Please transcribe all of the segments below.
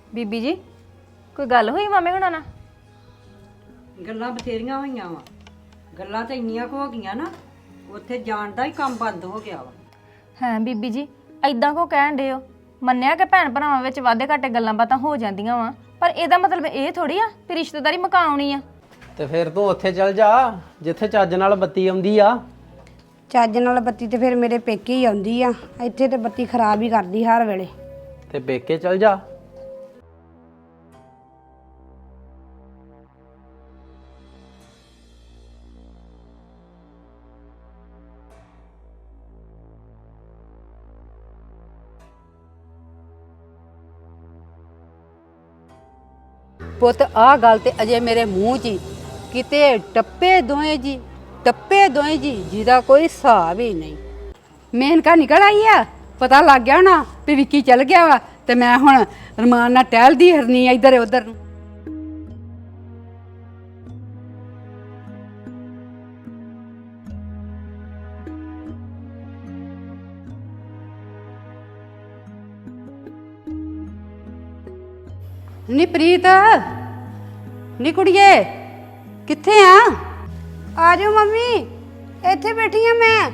ਬੀਬੀ ਜੀ ਕੋਈ ਗੱਲ ਹੋਈ ਮਾਮੇ ਹੁਣਾਂ ਨਾਲ? ਗੱਲਾਂ ਬਥੇਰੀਆਂ ਹੋਈਆਂ ਵਾ। ਗੱਲਾਂ ਤਾਂ ਇੰਨੀਆਂ ਕੁ ਹੋ ਗਈਆਂ ਨਾ, ਉੱਥੇ ਜਾਣ ਦਾ ਹੀ ਕੰਮ ਬੰਦ ਹੋ ਗਿਆ ਵਾ। ਹਾਂ ਬੀਬੀ ਜੀ ਐਦਾਂ ਕੋ ਕਹਿਣ ਡੇ ਹੋ? ਮੰਨਿਆ ਕਿ ਭੈਣ ਭਰਾਵਾਂ ਵਿੱਚ ਵਾਧੇ ਘਾਟੇ ਗੱਲਾਂ ਬਾਤਾਂ ਹੋ ਜਾਂਦੀਆਂ ਵਾ, ਪਰ ਇਹਦਾ ਮਤਲਬ ਇਹ ਥੋੜੀ ਆ ਕਿ ਰਿਸ਼ਤੇਦਾਰੀ ਮੁਕਾਉਣੀ ਆ। ਤੇ ਫਿਰ ਤੂੰ ਉੱਥੇ ਚੱਲ ਜਾ ਜਿੱਥੇ ਚੱਜ ਨਾਲ ਬੱਤੀ ਆਉਂਦੀ ਆ। ਚੱਜ ਨਾਲ ਬੱਤੀ ਤੇ ਫਿਰ ਮੇਰੇ ਪੇਕੇ ਹੀ ਆਉਂਦੀ ਆ, ਇੱਥੇ ਤੇ ਬੱਤੀ ਖਰਾਬ ਹੀ ਕਰਦੀ ਹਰ ਵੇਲੇ। ਤੇ ਪੇਕੇ ਚੱਲ ਜਾ। ਪੁੱਤ ਆਹ ਗੱਲ ਤੇ ਅਜੇ ਮੇਰੇ ਮੂੰਹ 'ਚ ਹੀ ਕਿਤੇ ਟੱਪੇ ਦੋਏ ਜੀ, ਟੱਪੇ ਦੋਏ ਜੀ, ਜਿਹਦਾ ਕੋਈ ਹਿਸਾਬ ਹੀ ਨਹੀਂ। ਮੇਨਕਾ ਨਿਕਲ ਆਈ ਆ, ਪਤਾ ਲੱਗ ਗਿਆ ਨਾ ਵੀ ਵਿੱਕੀ ਚਲ ਗਿਆ ਵਾ, ਤੇ ਮੈਂ ਹੁਣ ਰਮਾਨ ਨਾਲ ਟਹਿਲਦੀ ਫਿਰਨੀ ਆ ਇੱਧਰ ਉੱਧਰ ਨੂੰ। ਨੀ ਪ੍ਰੀਤ, ਨੀ ਕੁੜੀਏ ਕਿੱਥੇ ਆ? ਆ ਜਾਓ ਮੰਮੀ, ਇੱਥੇ ਬੈਠੀ ਆ ਮੈਂ।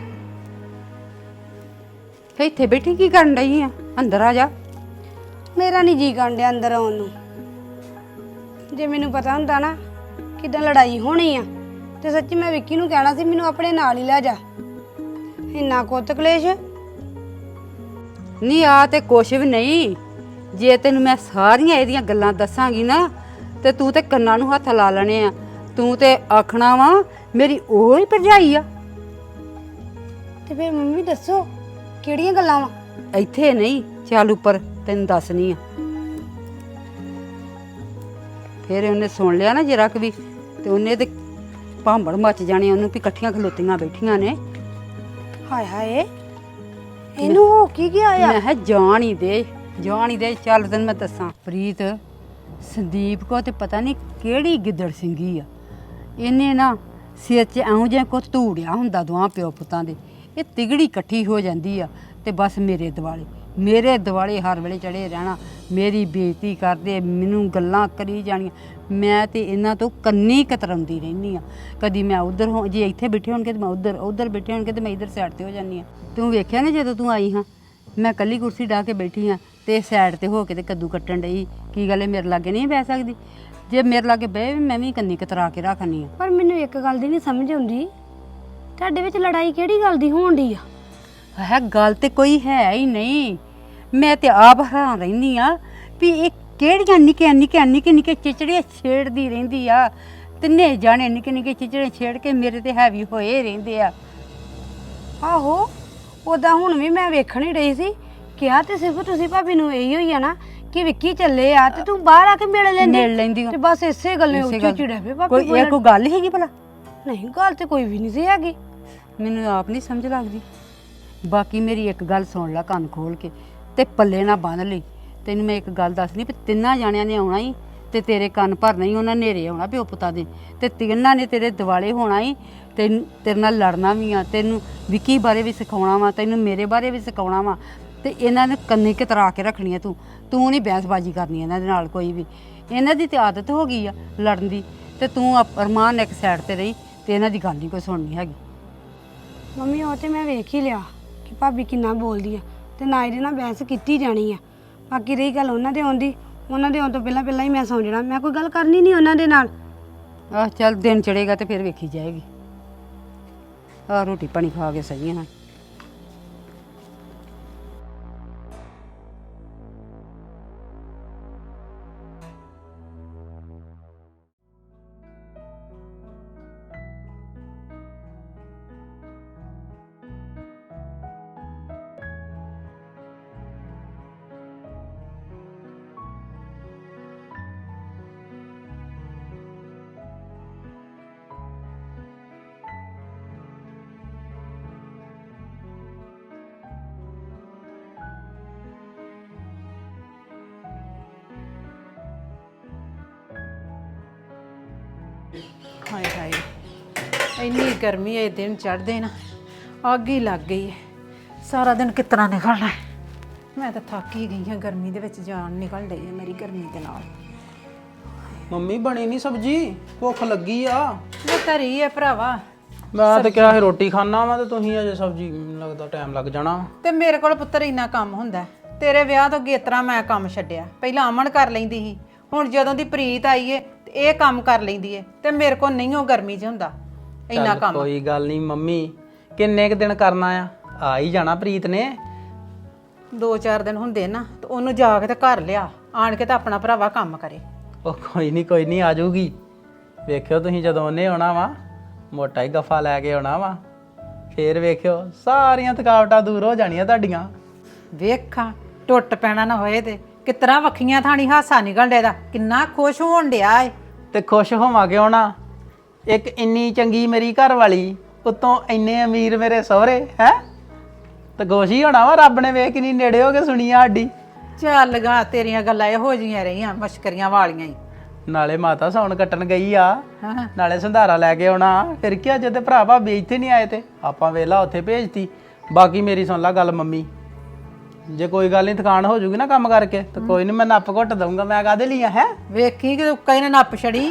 ਇੱਥੇ ਬੈਠੀ ਕੀ ਕਰਨ ਡਈ ਆ? ਅੰਦਰ ਆ ਜਾ। ਮੇਰਾ ਨਹੀਂ ਜੀ ਕਰਨ ਡਿਆ ਅੰਦਰ ਆਉਣ ਨੂੰ। ਜੇ ਮੈਨੂੰ ਪਤਾ ਹੁੰਦਾ ਨਾ ਕਿਦਾਂ ਲੜਾਈ ਹੋਣੀ ਆ ਤੇ ਸੱਚੀ ਮੈਂ ਵਿੱਕੀ ਨੂੰ ਕਹਿਣਾ ਸੀ ਮੈਨੂੰ ਆਪਣੇ ਨਾਲ ਹੀ ਲੈ ਜਾ। ਇੰਨਾ ਕੁੱਤ ਕਲੇਸ਼। ਨੀ ਆ ਤੇ ਕੁਛ ਵੀ ਨਹੀਂ। ਜੇ ਤੈਨੂੰ ਮੈਂ ਸਾਰੀਆਂ ਇਹਦੀਆਂ ਗੱਲਾਂ ਦੱਸਾਂਗੀ ਨਾ ਤੇ ਤੂੰ ਤੇ ਕੰਨਾਂ ਨੂੰ ਹੱਥ ਲਾ ਲੈਣੇ ਆ। ਤੂੰ ਤੇ ਆਖਣਾ ਵਾ ਮੇਰੀ ਉਹ ਹੀ ਭਰਜਾਈ ਆ। ਤੇ ਫਿਰ ਮੰਮੀ ਦੱਸੋ ਕਿਹੜੀਆਂ ਗੱਲਾਂ ਵਾ? ਇੱਥੇ ਨਹੀਂ, ਚੱਲ ਉੱਪਰ ਤੈਨੂੰ ਦੱਸਣੀ ਆ। ਫਿਰ ਉਹਨੇ ਸੁਣ ਲਿਆ ਨਾ ਜਰਾ ਕੁ ਵੀ ਤੇ ਉਹਨੇ ਤੇ ਭਾਂਬੜ ਮੱਚ ਜਾਣੀ ਉਹਨੂੰ ਵੀ ਇਕੱਠੀਆਂ ਖਲੋਤੀਆਂ ਬੈਠੀਆਂ ਨੇ। ਹਾਏ ਹਾਏ, ਇਹਨੂੰ ਹੋ ਕੀ ਗਿਆ ਆ? ਮੈਂ ਕਿਹਾ ਜਾਣ ਹੀ ਦੇ, ਜਾਣ ਹੀ ਦੇ। ਚੱਲ ਤੈਨੂੰ ਮੈਂ ਦੱਸਾਂ ਪ੍ਰੀਤ, ਸੰਦੀਪ ਕੋ ਤੇ ਪਤਾ ਨਹੀਂ ਕਿਹੜੀ ਗਿੱਦੜ ਸਿੰਘੀ ਆ। ਇਹਨੇ ਨਾ ਸਿਰ 'ਚ ਐਉਂ ਜਿਹਾ ਕੁਛ ਧੂੜਿਆ ਹੁੰਦਾ ਦੋਵਾਂ ਪਿਓ ਪੁੱਤਾਂ ਦੇ। ਇਹ ਤਿਗੜੀ ਇਕੱਠੀ ਹੋ ਜਾਂਦੀ ਆ ਤੇ ਬਸ ਮੇਰੇ ਦਿਵਾਲੇ ਹਰ ਵੇਲੇ ਚੜੇ ਰਹਿਣਾ। ਮੇਰੀ ਬੇਇੱਜ਼ਤੀ ਕਰਦੇ, ਮੈਨੂੰ ਗੱਲਾਂ ਕਰੀ ਜਾਣੀਆਂ। ਮੈਂ ਤੇ ਇਹਨਾਂ ਤੋਂ ਕੰਨੀ ਕਤਰਾਉਂਦੀ ਰਹਿੰਦੀ ਆ। ਕਦੀ ਮੈਂ ਉਧਰ ਹੋ, ਜੇ ਇੱਥੇ ਬੈਠੇ ਹੋਣਗੇ ਤੇ ਮੈਂ ਉਧਰ ਬੈਠੇ ਹੋਣਗੇ ਤੇ ਮੈਂ ਇੱਧਰ ਸਾਈਡ ਤੇ ਹੋ ਜਾਂਦੀ ਆ। ਤੂੰ ਵੇਖਿਆ ਨਾ ਜਦੋਂ ਤੂੰ ਆਈ ਹਾਂ ਮੈਂ ਕੱਲੀ ਕੁਰਸੀ ਢਾਹ ਕੇ ਬੈਠੀ ਹਾਂ ਤੇ ਸਾਈਡ ਤੇ ਹੋ ਕੇ ਤੇ ਕੱਦੂ ਕੱਟਣ ਡਈ। ਕੀ ਗੱਲ ਹੈ, ਮੇਰੇ ਲਾਗੇ ਨਹੀਂ ਬਹਿ ਸਕਦੀ? ਜੇ ਮੇਰੇ ਲਾਗੇ ਬਹਿ ਮੈਂ ਵੀ ਕੰਨੀ ਕਤਰਾ ਕੇ ਰੱਖਣੀ ਆ। ਪਰ ਮੈਨੂੰ ਇੱਕ ਗੱਲ ਦੀ ਨਹੀਂ ਸਮਝ ਆਉਂਦੀ, ਤੁਹਾਡੇ ਵਿੱਚ ਲੜਾਈ ਕਿਹੜੀ ਗੱਲ ਦੀ ਹੋਣ ਡਈ ਆ? ਹੈ ਗੱਲ ਤੇ ਕੋਈ ਹੈ ਹੀ ਨਹੀਂ। ਮੈਂ ਤੇ ਆਪ ਹੈਰਾਨ ਰਹਿੰਦੀ ਆ ਵੀ ਇਹ ਕਿਹੜੀਆਂ ਨਿੱਕੇ ਚਿਚੜੇ ਛੇੜਦੀ ਰਹਿੰਦੀ ਆ। ਤਿੰਨੇ ਜਾਣੇ ਨਿੱਕੇ ਚਿਚੜੇ ਛੇੜ ਕੇ ਮੇਰੇ ਤੇ ਹੈਵੀ ਹੋਏ ਰਹਿੰਦੇ ਆ। ਆਹੋ, ਉਦਾਂ ਹੁਣ ਵੀ ਮੈਂ ਵੇਖਣ ਹੀ ਰਹੀ ਸੀ। ਕਿਹਾ ਤੇ ਸਿਰਫ ਤੁਸੀਂ ਭਾਬੀ ਨੂੰ ਇਹੀ ਹੋਈ ਆ ਨਾ ਕਿ ਵਿੱਕੀ ਚੱਲੇ ਆ ਤੇ ਤੂੰ ਬਾਹਰ ਆ ਕੇ ਮਿਲ ਲੈਂਦੀ ਤੇ ਬਸ ਇਸੇ ਗੱਲੇ ਉੱਚੀ ਚਿੜਿਆ ਪਏ ਭਾਬੀ। ਕੋਈ ਇਹ ਕੋਈ ਗੱਲ ਹੈਗੀ ਭਲਾ? ਨਹੀਂ, ਗੱਲ ਤੇ ਕੋਈ ਵੀ ਨਹੀਂ ਸੀ ਹੈਗੀ। ਮੈਨੂੰ ਆਪ ਨਹੀਂ ਸਮਝ ਲੱਗਦੀ। ਬਾਕੀ ਮੇਰੀ ਇੱਕ ਗੱਲ ਸੁਣ ਲੈ ਕੰਨ ਖੋਲ ਕੇ ਤੇ ਪੱਲੇ ਨਾ ਬੰਨ ਲਈ। ਤੈਨੂੰ ਮੈਂ ਇੱਕ ਗੱਲ ਦੱਸਣੀ ਵੀ ਤਿੰਨਾਂ ਜਾਣਿਆਂ ਨੇ ਆਉਣਾ ਹੀ ਤੇ ਤੇਰੇ ਕੰਨ ਭਰਨਾ ਹੀ। ਉਹਨਾਂ ਨੇਰੇ ਆਉਣਾ ਪਿਓ ਪੁੱਤਾਂ ਦੇ ਤੇ ਤਿੰਨਾਂ ਨੇ ਤੇਰੇ ਦਿਵਾਲੇ ਹੋਣਾ ਹੀ। ਤੇਰੇ ਨਾਲ ਲੜਨਾ ਵੀ ਆ, ਤੈਨੂੰ ਵਿੱਕੀ ਬਾਰੇ ਵੀ ਸਿਖਾਉਣਾ ਵਾ, ਤੈਨੂੰ ਮੇਰੇ ਬਾਰੇ ਵੀ ਸਿਖਾਉਣਾ ਵਾ। ਤੇ ਇਹਨਾਂ ਨੇ ਕੰਨੀ ਕਤਰਾ ਕੇ ਰੱਖਣੀ ਆ। ਤੂੰ ਨਹੀਂ ਬਹਿਸਬਾਜ਼ੀ ਕਰਨੀ ਇਹਨਾਂ ਦੇ ਨਾਲ ਕੋਈ ਵੀ। ਇਹਨਾਂ ਦੀ ਤੇ ਆਦਤ ਹੋ ਗਈ ਆ ਲੜਨ ਦੀ। ਤੇ ਤੂੰ ਅਰਮਾਨ ਇੱਕ ਸਾਈਡ ਤੇ ਰਹੀ ਤੇ ਇਹਨਾਂ ਦੀ ਗੱਲ ਨਹੀਂ ਕੋਈ ਸੁਣਨੀ ਹੈਗੀ। ਮੰਮੀ ਉਹ ਤੇ ਮੈਂ ਵੇਖ ਹੀ ਲਿਆ ਕਿ ਭਾਬੀ ਕਿੰਨਾ ਬੋਲਦੀ ਆ ਤੇ ਨਾ ਇਹਦੇ ਨਾਲ ਬਹਿਸ ਕੀਤੀ ਜਾਣੀ ਆ। ਬਾਕੀ ਰਹੀ ਗੱਲ ਉਹਨਾਂ ਦੇ ਆਉਣ ਤੋਂ ਪਹਿਲਾਂ ਹੀ ਮੈਂ ਸੌਂ ਜਾਣਾ। ਮੈਂ ਕੋਈ ਗੱਲ ਕਰਨੀ ਨਹੀਂ ਉਹਨਾਂ ਦੇ ਨਾਲ। ਆਹ ਚੱਲ ਦਿਨ ਚੜੇਗਾ ਤੇ ਫਿਰ ਵੇਖੀ ਜਾਏਗੀ। ਆਹ ਰੋਟੀ ਪਾਣੀ ਖਾ ਕੇ ਸਹੀ ਹਾਂ। ਹਾਏ ਹਾਏ, ਇੰਨੀ ਗਰਮੀ ਹੈ, ਦਿਨ ਚੜ੍ਹਦੇ ਨਾ ਅੱਗ ਹੀ ਲੱਗ ਗਈ ਹੈ। ਸਾਰਾ ਦਿਨ ਕਿਸ ਤਰ੍ਹਾਂ ਨਿਕਲਣਾ ਹੈ? ਮੈਂ ਤਾਂ ਥੱਕ ਹੀ ਗਈ ਹਾਂ ਗਰਮੀ ਦੇ ਵਿੱਚ ਜਾਨ ਨਿਕਲ ਰਹੀ ਹੈ ਮੇਰੀ ਗਰਮੀ ਦੇ ਨਾਲ। ਮੰਮੀ ਬਣੀ ਨਹੀਂ ਸਬਜੀ, ਭੁੱਖ ਲੱਗੀ ਆ। ਮੈਂ ਘਰੀ ਹੈ ਭਰਾਵਾ, ਮੈਂ ਤਾਂ ਕਿਹਾ ਸੀ ਰੋਟੀ ਖਾਣਾ ਵਾ ਤੇ ਤੁਸੀਂ ਅਜੇ ਸਬਜੀ, ਮੈਨੂੰ ਲੱਗਦਾ ਟਾਈਮ ਲੱਗ ਜਾਣਾ। ਤੇ ਮੇਰੇ ਕੋਲ ਪੁੱਤਰ ਇੰਨਾ ਕੰਮ ਹੁੰਦਾ ਹੈ। ਤੇਰੇ ਵਿਆਹ ਤੋਂ ਗੇਤਰਾ ਮੈਂ ਕੰਮ ਛੱਡਿਆ, ਪਹਿਲਾਂ ਅਮਨ ਕਰ ਲੈਂਦੀ ਸੀ, ਹੁਣ ਜਦੋਂ ਦੀ ਪ੍ਰੀਤ ਆਈ ਏ ਤੇ ਇਹ ਕੰਮ ਕਰ ਲੈਂਦੀ ਏ ਤੇ ਮੇਰੇ ਕੋਲ ਨਹੀਂ ਉਹ ਗਰਮੀ 'ਚ ਹੁੰਦਾ ਇੰਨਾ ਚੱਲ ਕੰਮ। ਕੋਈ ਗੱਲ ਨਹੀਂ ਮੰਮੀ, ਕਿੰਨੇ ਕੁ ਦਿਨ ਕਰਨਾ ਆ ਹੀ ਜਾਣਾ ਪ੍ਰੀਤ ਨੇ। 2-4 ਦਿਨ ਹੁੰਦੇ ਨਾ ਤੇ ਉਹਨੂੰ ਜਾ ਕੇ ਤੇ ਘਰ ਲਿਆ, ਆਣ ਕੇ ਤਾਂ ਆਪਣਾ ਭਰਾਵਾ ਕੰਮ ਕਰੇ। ਉਹ ਕੋਈ ਨਹੀਂ ਆ ਜਾਊਗੀ। ਵੇਖਿਓ ਤੁਸੀਂ ਜਦੋਂ ਉਹਨੇ ਆਉਣਾ ਵਾ, ਮੋਟਾ ਹੀ ਗੱਫਾ ਲੈ ਕੇ ਆਉਣਾ ਵਾ, ਫੇਰ ਵੇਖਿਓ ਸਾਰੀਆਂ ਥਕਾਵਟਾਂ ਦੂਰ ਹੋ ਜਾਣੀਆਂ ਤੁਹਾਡੀਆਂ। ਵੇਖਾਂ ਟੁੱਟ ਪੈਣਾ ਨਾ ਹੋਏ ਤੇ ਕਿਤਨਾ ਵੱਖੀਆਂ ਥਾਣੀ ਹਾਸਾ ਨਿਕਲ ਡਿਆ, ਕਿੰਨਾ ਖੁਸ਼ ਹੋਣ ਡਿਆ ਏ। ਤੇ ਖੁਸ਼ ਹੋਵਾਂ ਕਿਉਂ ਨਾ, ਇੱਕ ਇੰਨੀ ਚੰਗੀ ਮੇਰੀ ਘਰ ਵਾਲੀ, ਉੱਤੋਂ ਇੰਨੇ ਅਮੀਰ ਮੇਰੇ ਸਹੁਰੇ ਹੈ, ਤੇ ਗੋਸ਼ੀ ਹੋਣਾ ਵਾ ਰੱਬ ਨੇ ਵੇਖ ਕਿੰਨੀ ਨੇੜੇ ਹੋ ਕੇ ਸੁਣੀ ਆ ਸਾਡੀ। ਚੱਲ ਗਾ ਤੇਰੀਆਂ ਗੱਲਾਂ ਇਹੋ ਜੀਆਂ ਰਹੀਆਂ ਮਸ਼ਕਰੀਆਂ ਵਾਲੀਆਂ ਹੀ। ਨਾਲੇ ਮਾਤਾ ਸੌਣ ਕੱਟਣ ਗਈ ਆ, ਹਾਂ ਨਾਲੇ ਸੰਧਾਰਾ ਲੈ ਕੇ ਆਉਣਾ, ਫਿਰ ਕੀ ਅੱਜ ਤੇ ਭਰਾ ਭਾਬੀ ਇੱਥੇ ਨਹੀਂ ਆਏ ਤੇ ਆਪਾਂ ਵੇਲਾ ਉੱਥੇ ਭੇਜਤੀ। ਬਾਕੀ ਮੇਰੀ ਸੁਣ ਲਾ ਗੱਲ ਮੰਮੀ, ਜੇ ਕੋਈ ਗੱਲ ਨਹੀਂ ਥਕਾਨ ਹੋ ਜੂਗੀ ਨਾ ਕੰਮ ਕਰਕੇ ਤੇ ਕੋਈ ਨਹੀਂ, ਮੈਂ ਨੱਪ ਘੁੱਟ ਦਊਂਗਾ। ਮੈਂ ਕਾਹਦੇ ਲਈ ਆ ਹੈ ਵੇਖੀ ਕਿ ਉੱਕਾ ਇਹਨੇ ਨੱਪ ਛੜੀ।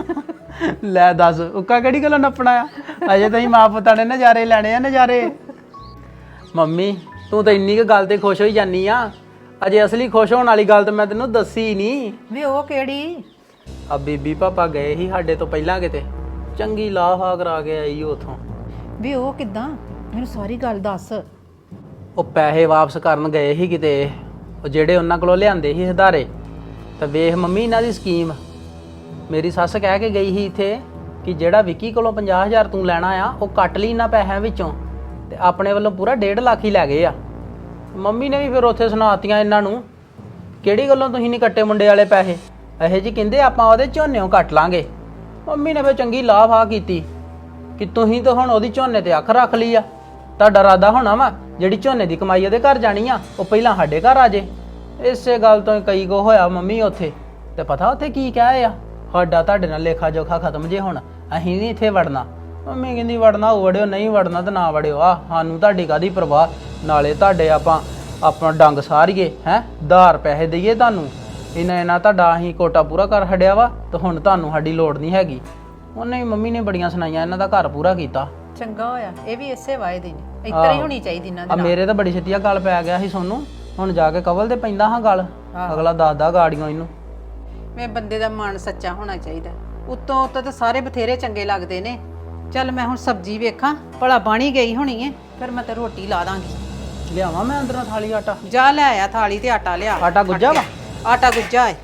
ਲੈ ਦੱਸ, ਉੱਕਾ ਕਿਹੜੀ ਗੱਲੋਂ ਨੱਪਣਾ ਆ, ਅਜੇ ਤਾਂ ਹੀ ਮਾਂ ਪੁੱਤਾਂ ਨੇ ਨਜ਼ਾਰੇ ਲੈਣੇ ਆ ਨਜ਼ਾਰੇ। ਮੰਮੀ ਤੂੰ ਤਾਂ ਇੰਨੀ ਕੁ ਗੱਲ ਤੇ ਖੁਸ਼ ਹੋਈ ਜਾਨੀ ਆ, ਅਜੇ ਅਸਲੀ ਖੁਸ਼ ਹੋਣ ਵਾਲੀ ਗੱਲ ਤਾਂ ਮੈਂ ਤੈਨੂੰ ਦੱਸੀ ਨਹੀਂ। ਵੀ ਉਹ ਕਿਹੜੀ? ਆ ਬੀਬੀ ਪਾਪਾ ਗਏ ਸੀ ਸਾਡੇ ਤੋਂ ਪਹਿਲਾਂ ਕਿਤੇ, ਚੰਗੀ ਲਾਹਾ ਕਰਾ ਕੇ ਆਈ ਉਥੋਂ। ਵੀ ਉਹ ਕਿੱਦਾਂ, ਮੈਨੂੰ ਸਾਰੀ ਗੱਲ ਦੱਸ। ਉਹ ਪੈਸੇ ਵਾਪਸ ਕਰਨ ਗਏ ਸੀ ਕਿਤੇ, ਉਹ ਜਿਹੜੇ ਉਹਨਾਂ ਕੋਲੋਂ ਲਿਆਂਦੇ ਸੀ ਹਦਾਰੇ। ਤਾਂ ਵੇਖ ਮੰਮੀ ਇਹਨਾਂ ਦੀ ਸਕੀਮ, ਮੇਰੀ ਸੱਸ ਕਹਿ ਕੇ ਗਈ ਸੀ ਇੱਥੇ ਕਿ ਜਿਹੜਾ ਵਿੱਕੀ ਕੋਲੋਂ 50,000 ਤੂੰ ਲੈਣਾ ਆ, ਉਹ ਕੱਟ ਲਈ ਇਹਨਾਂ ਪੈਸਿਆਂ ਵਿੱਚੋਂ, ਤੇ ਆਪਣੇ ਵੱਲੋਂ ਪੂਰਾ 1.5 ਲੱਖ ਹੀ ਲੈ ਗਏ ਆ। ਮੰਮੀ ਨੇ ਵੀ ਫਿਰ ਉੱਥੇ ਸੁਣਾਤੀਆਂ ਇਹਨਾਂ ਨੂੰ, ਕਿਹੜੀ ਗੱਲੋਂ ਤੁਸੀਂ ਨਹੀਂ ਕੱਟੇ ਮੁੰਡੇ ਵਾਲੇ ਪੈਸੇ, ਇਹੋ ਜਿਹੀ ਕਹਿੰਦੇ ਆਪਾਂ ਉਹਦੇ ਝੋਨਿਓਂ ਕੱਟ ਲਾਂਗੇ। ਮੰਮੀ ਨੇ ਫਿਰ ਚੰਗੀ ਲਾਫਾ ਕੀਤੀ ਕਿ ਤੁਸੀਂ ਤਾਂ ਹੁਣ ਉਹਦੀ ਝੋਨੇ ਤੇ ਅੱਖ ਰੱਖ ਲਈ ਆ, ਤੁਹਾਡਾ ਇਰਾਦਾ ਹੋਣਾ ਵਾ ਜਿਹੜੀ ਝੋਨੇ ਦੀ ਕਮਾਈ ਉਹਦੇ ਘਰ ਜਾਣੀ ਆ, ਉਹ ਪਹਿਲਾਂ ਸਾਡੇ ਘਰ ਆ ਜੇ। ਇਸੇ ਗੱਲ ਤੋਂ ਕਈ ਕੋ ਹੋਇਆ ਮੰਮੀ ਉੱਥੇ, ਤੇ ਪਤਾ ਉੱਥੇ ਕੀ ਕਹੇ ਆ, ਸਾਡਾ ਤੁਹਾਡੇ ਨਾਲ ਲੇਖਾ ਜੋਖਾ ਖਤਮ ਜੇ, ਹੁਣ ਅਸੀਂ ਨਹੀਂ ਇੱਥੇ ਵੜਨਾ। ਮੰਮੀ ਕਹਿੰਦੀ ਵੜਨਾ ਉਹ ਵੜਿਓ, ਨਹੀਂ ਵੜਨਾ ਤਾਂ ਨਾ ਵੜਿਓ, ਆ ਸਾਨੂੰ ਤੁਹਾਡੀ ਕਾਹਦੀ ਪਰਵਾਹ, ਨਾਲੇ ਤੁਹਾਡੇ ਆਪਾਂ ਆਪਣਾ ਡੰਗ ਸਾਰੀਏ ਹੈ, ਉਧਾਰ ਪੈਸੇ ਦਈਏ ਤੁਹਾਨੂੰ, ਇਹਨਾਂ ਤੁਹਾਡਾ ਅਸੀਂ ਕੋਟਾ ਪੂਰਾ ਕਰ ਛੱਡਿਆ ਵਾ, ਤੇ ਹੁਣ ਤੁਹਾਨੂੰ ਸਾਡੀ ਲੋੜ ਨਹੀਂ ਹੈਗੀ। ਉਹਨੇ ਵੀ ਮੰਮੀ ਨੇ ਬੜੀਆਂ ਸੁਣਾਈਆਂ, ਇਹਨਾਂ ਦਾ ਘਰ ਪੂਰਾ ਕੀਤਾ। ਚੰਗਾ ਹੋਇਆ, ਇਹ ਵੀ ਇਸੇ ਵਾਅਦੇ ਨੇ, ਇੱਤਰ ਹੀ ਹੋਣੀ ਚਾਹੀਦੀ ਇਹਨਾਂ ਆ ਦੇ ਨਾਲ। ਮੇਰੇ ਤਾਂ ਬੜੀ ਛੇਤੀ ਗੱਲ ਪੈ ਗਿਆ ਸੀ ਸੋਨੂੰ, ਹੁਣ ਜਾ ਕੇ ਕਵਲ ਤੇ ਪੈਂਦਾ ਹਾਂ ਗੱਲ, ਅਗਲਾ ਦੱਸਦਾ ਗਾੜੀਆਂ ਇਹਨੂੰ। ਮੈਂ ਬੰਦੇ ਦਾ ਮਨ ਸੱਚਾ ਹੋਣਾ ਚਾਹੀਦਾ, ਉੱਤੋਂ ਤਾਂ ਸਾਰੇ ਬਥੇਰੇ ਚੰਗੇ ਲੱਗਦੇ ਨੇ। ਚੱਲ ਮੈਂ ਹੁਣ ਸਬਜ਼ੀ ਵੇਖਾਂ, ਭਲਾ ਬਣੀ ਗਈ ਹੋਣੀ ਏ, ਫਿਰ ਮੈਂ ਤੇ ਰੋਟੀ ਲਾ ਦਾਂਗੀ। ਲਿਆਵਾਂ ਮੈਂ ਅੰਦਰੋਂ ਥਾਲੀ ਆਟਾ? ਜਾ ਲੈ ਆਇਆ ਥਾਲੀ ਤੇ ਆਟਾ ਲਿਆ। ਆਟਾ ਗੁੱਜਾ ਵਾ? ਆਟਾ ਗੁੱਜਾ ਏ।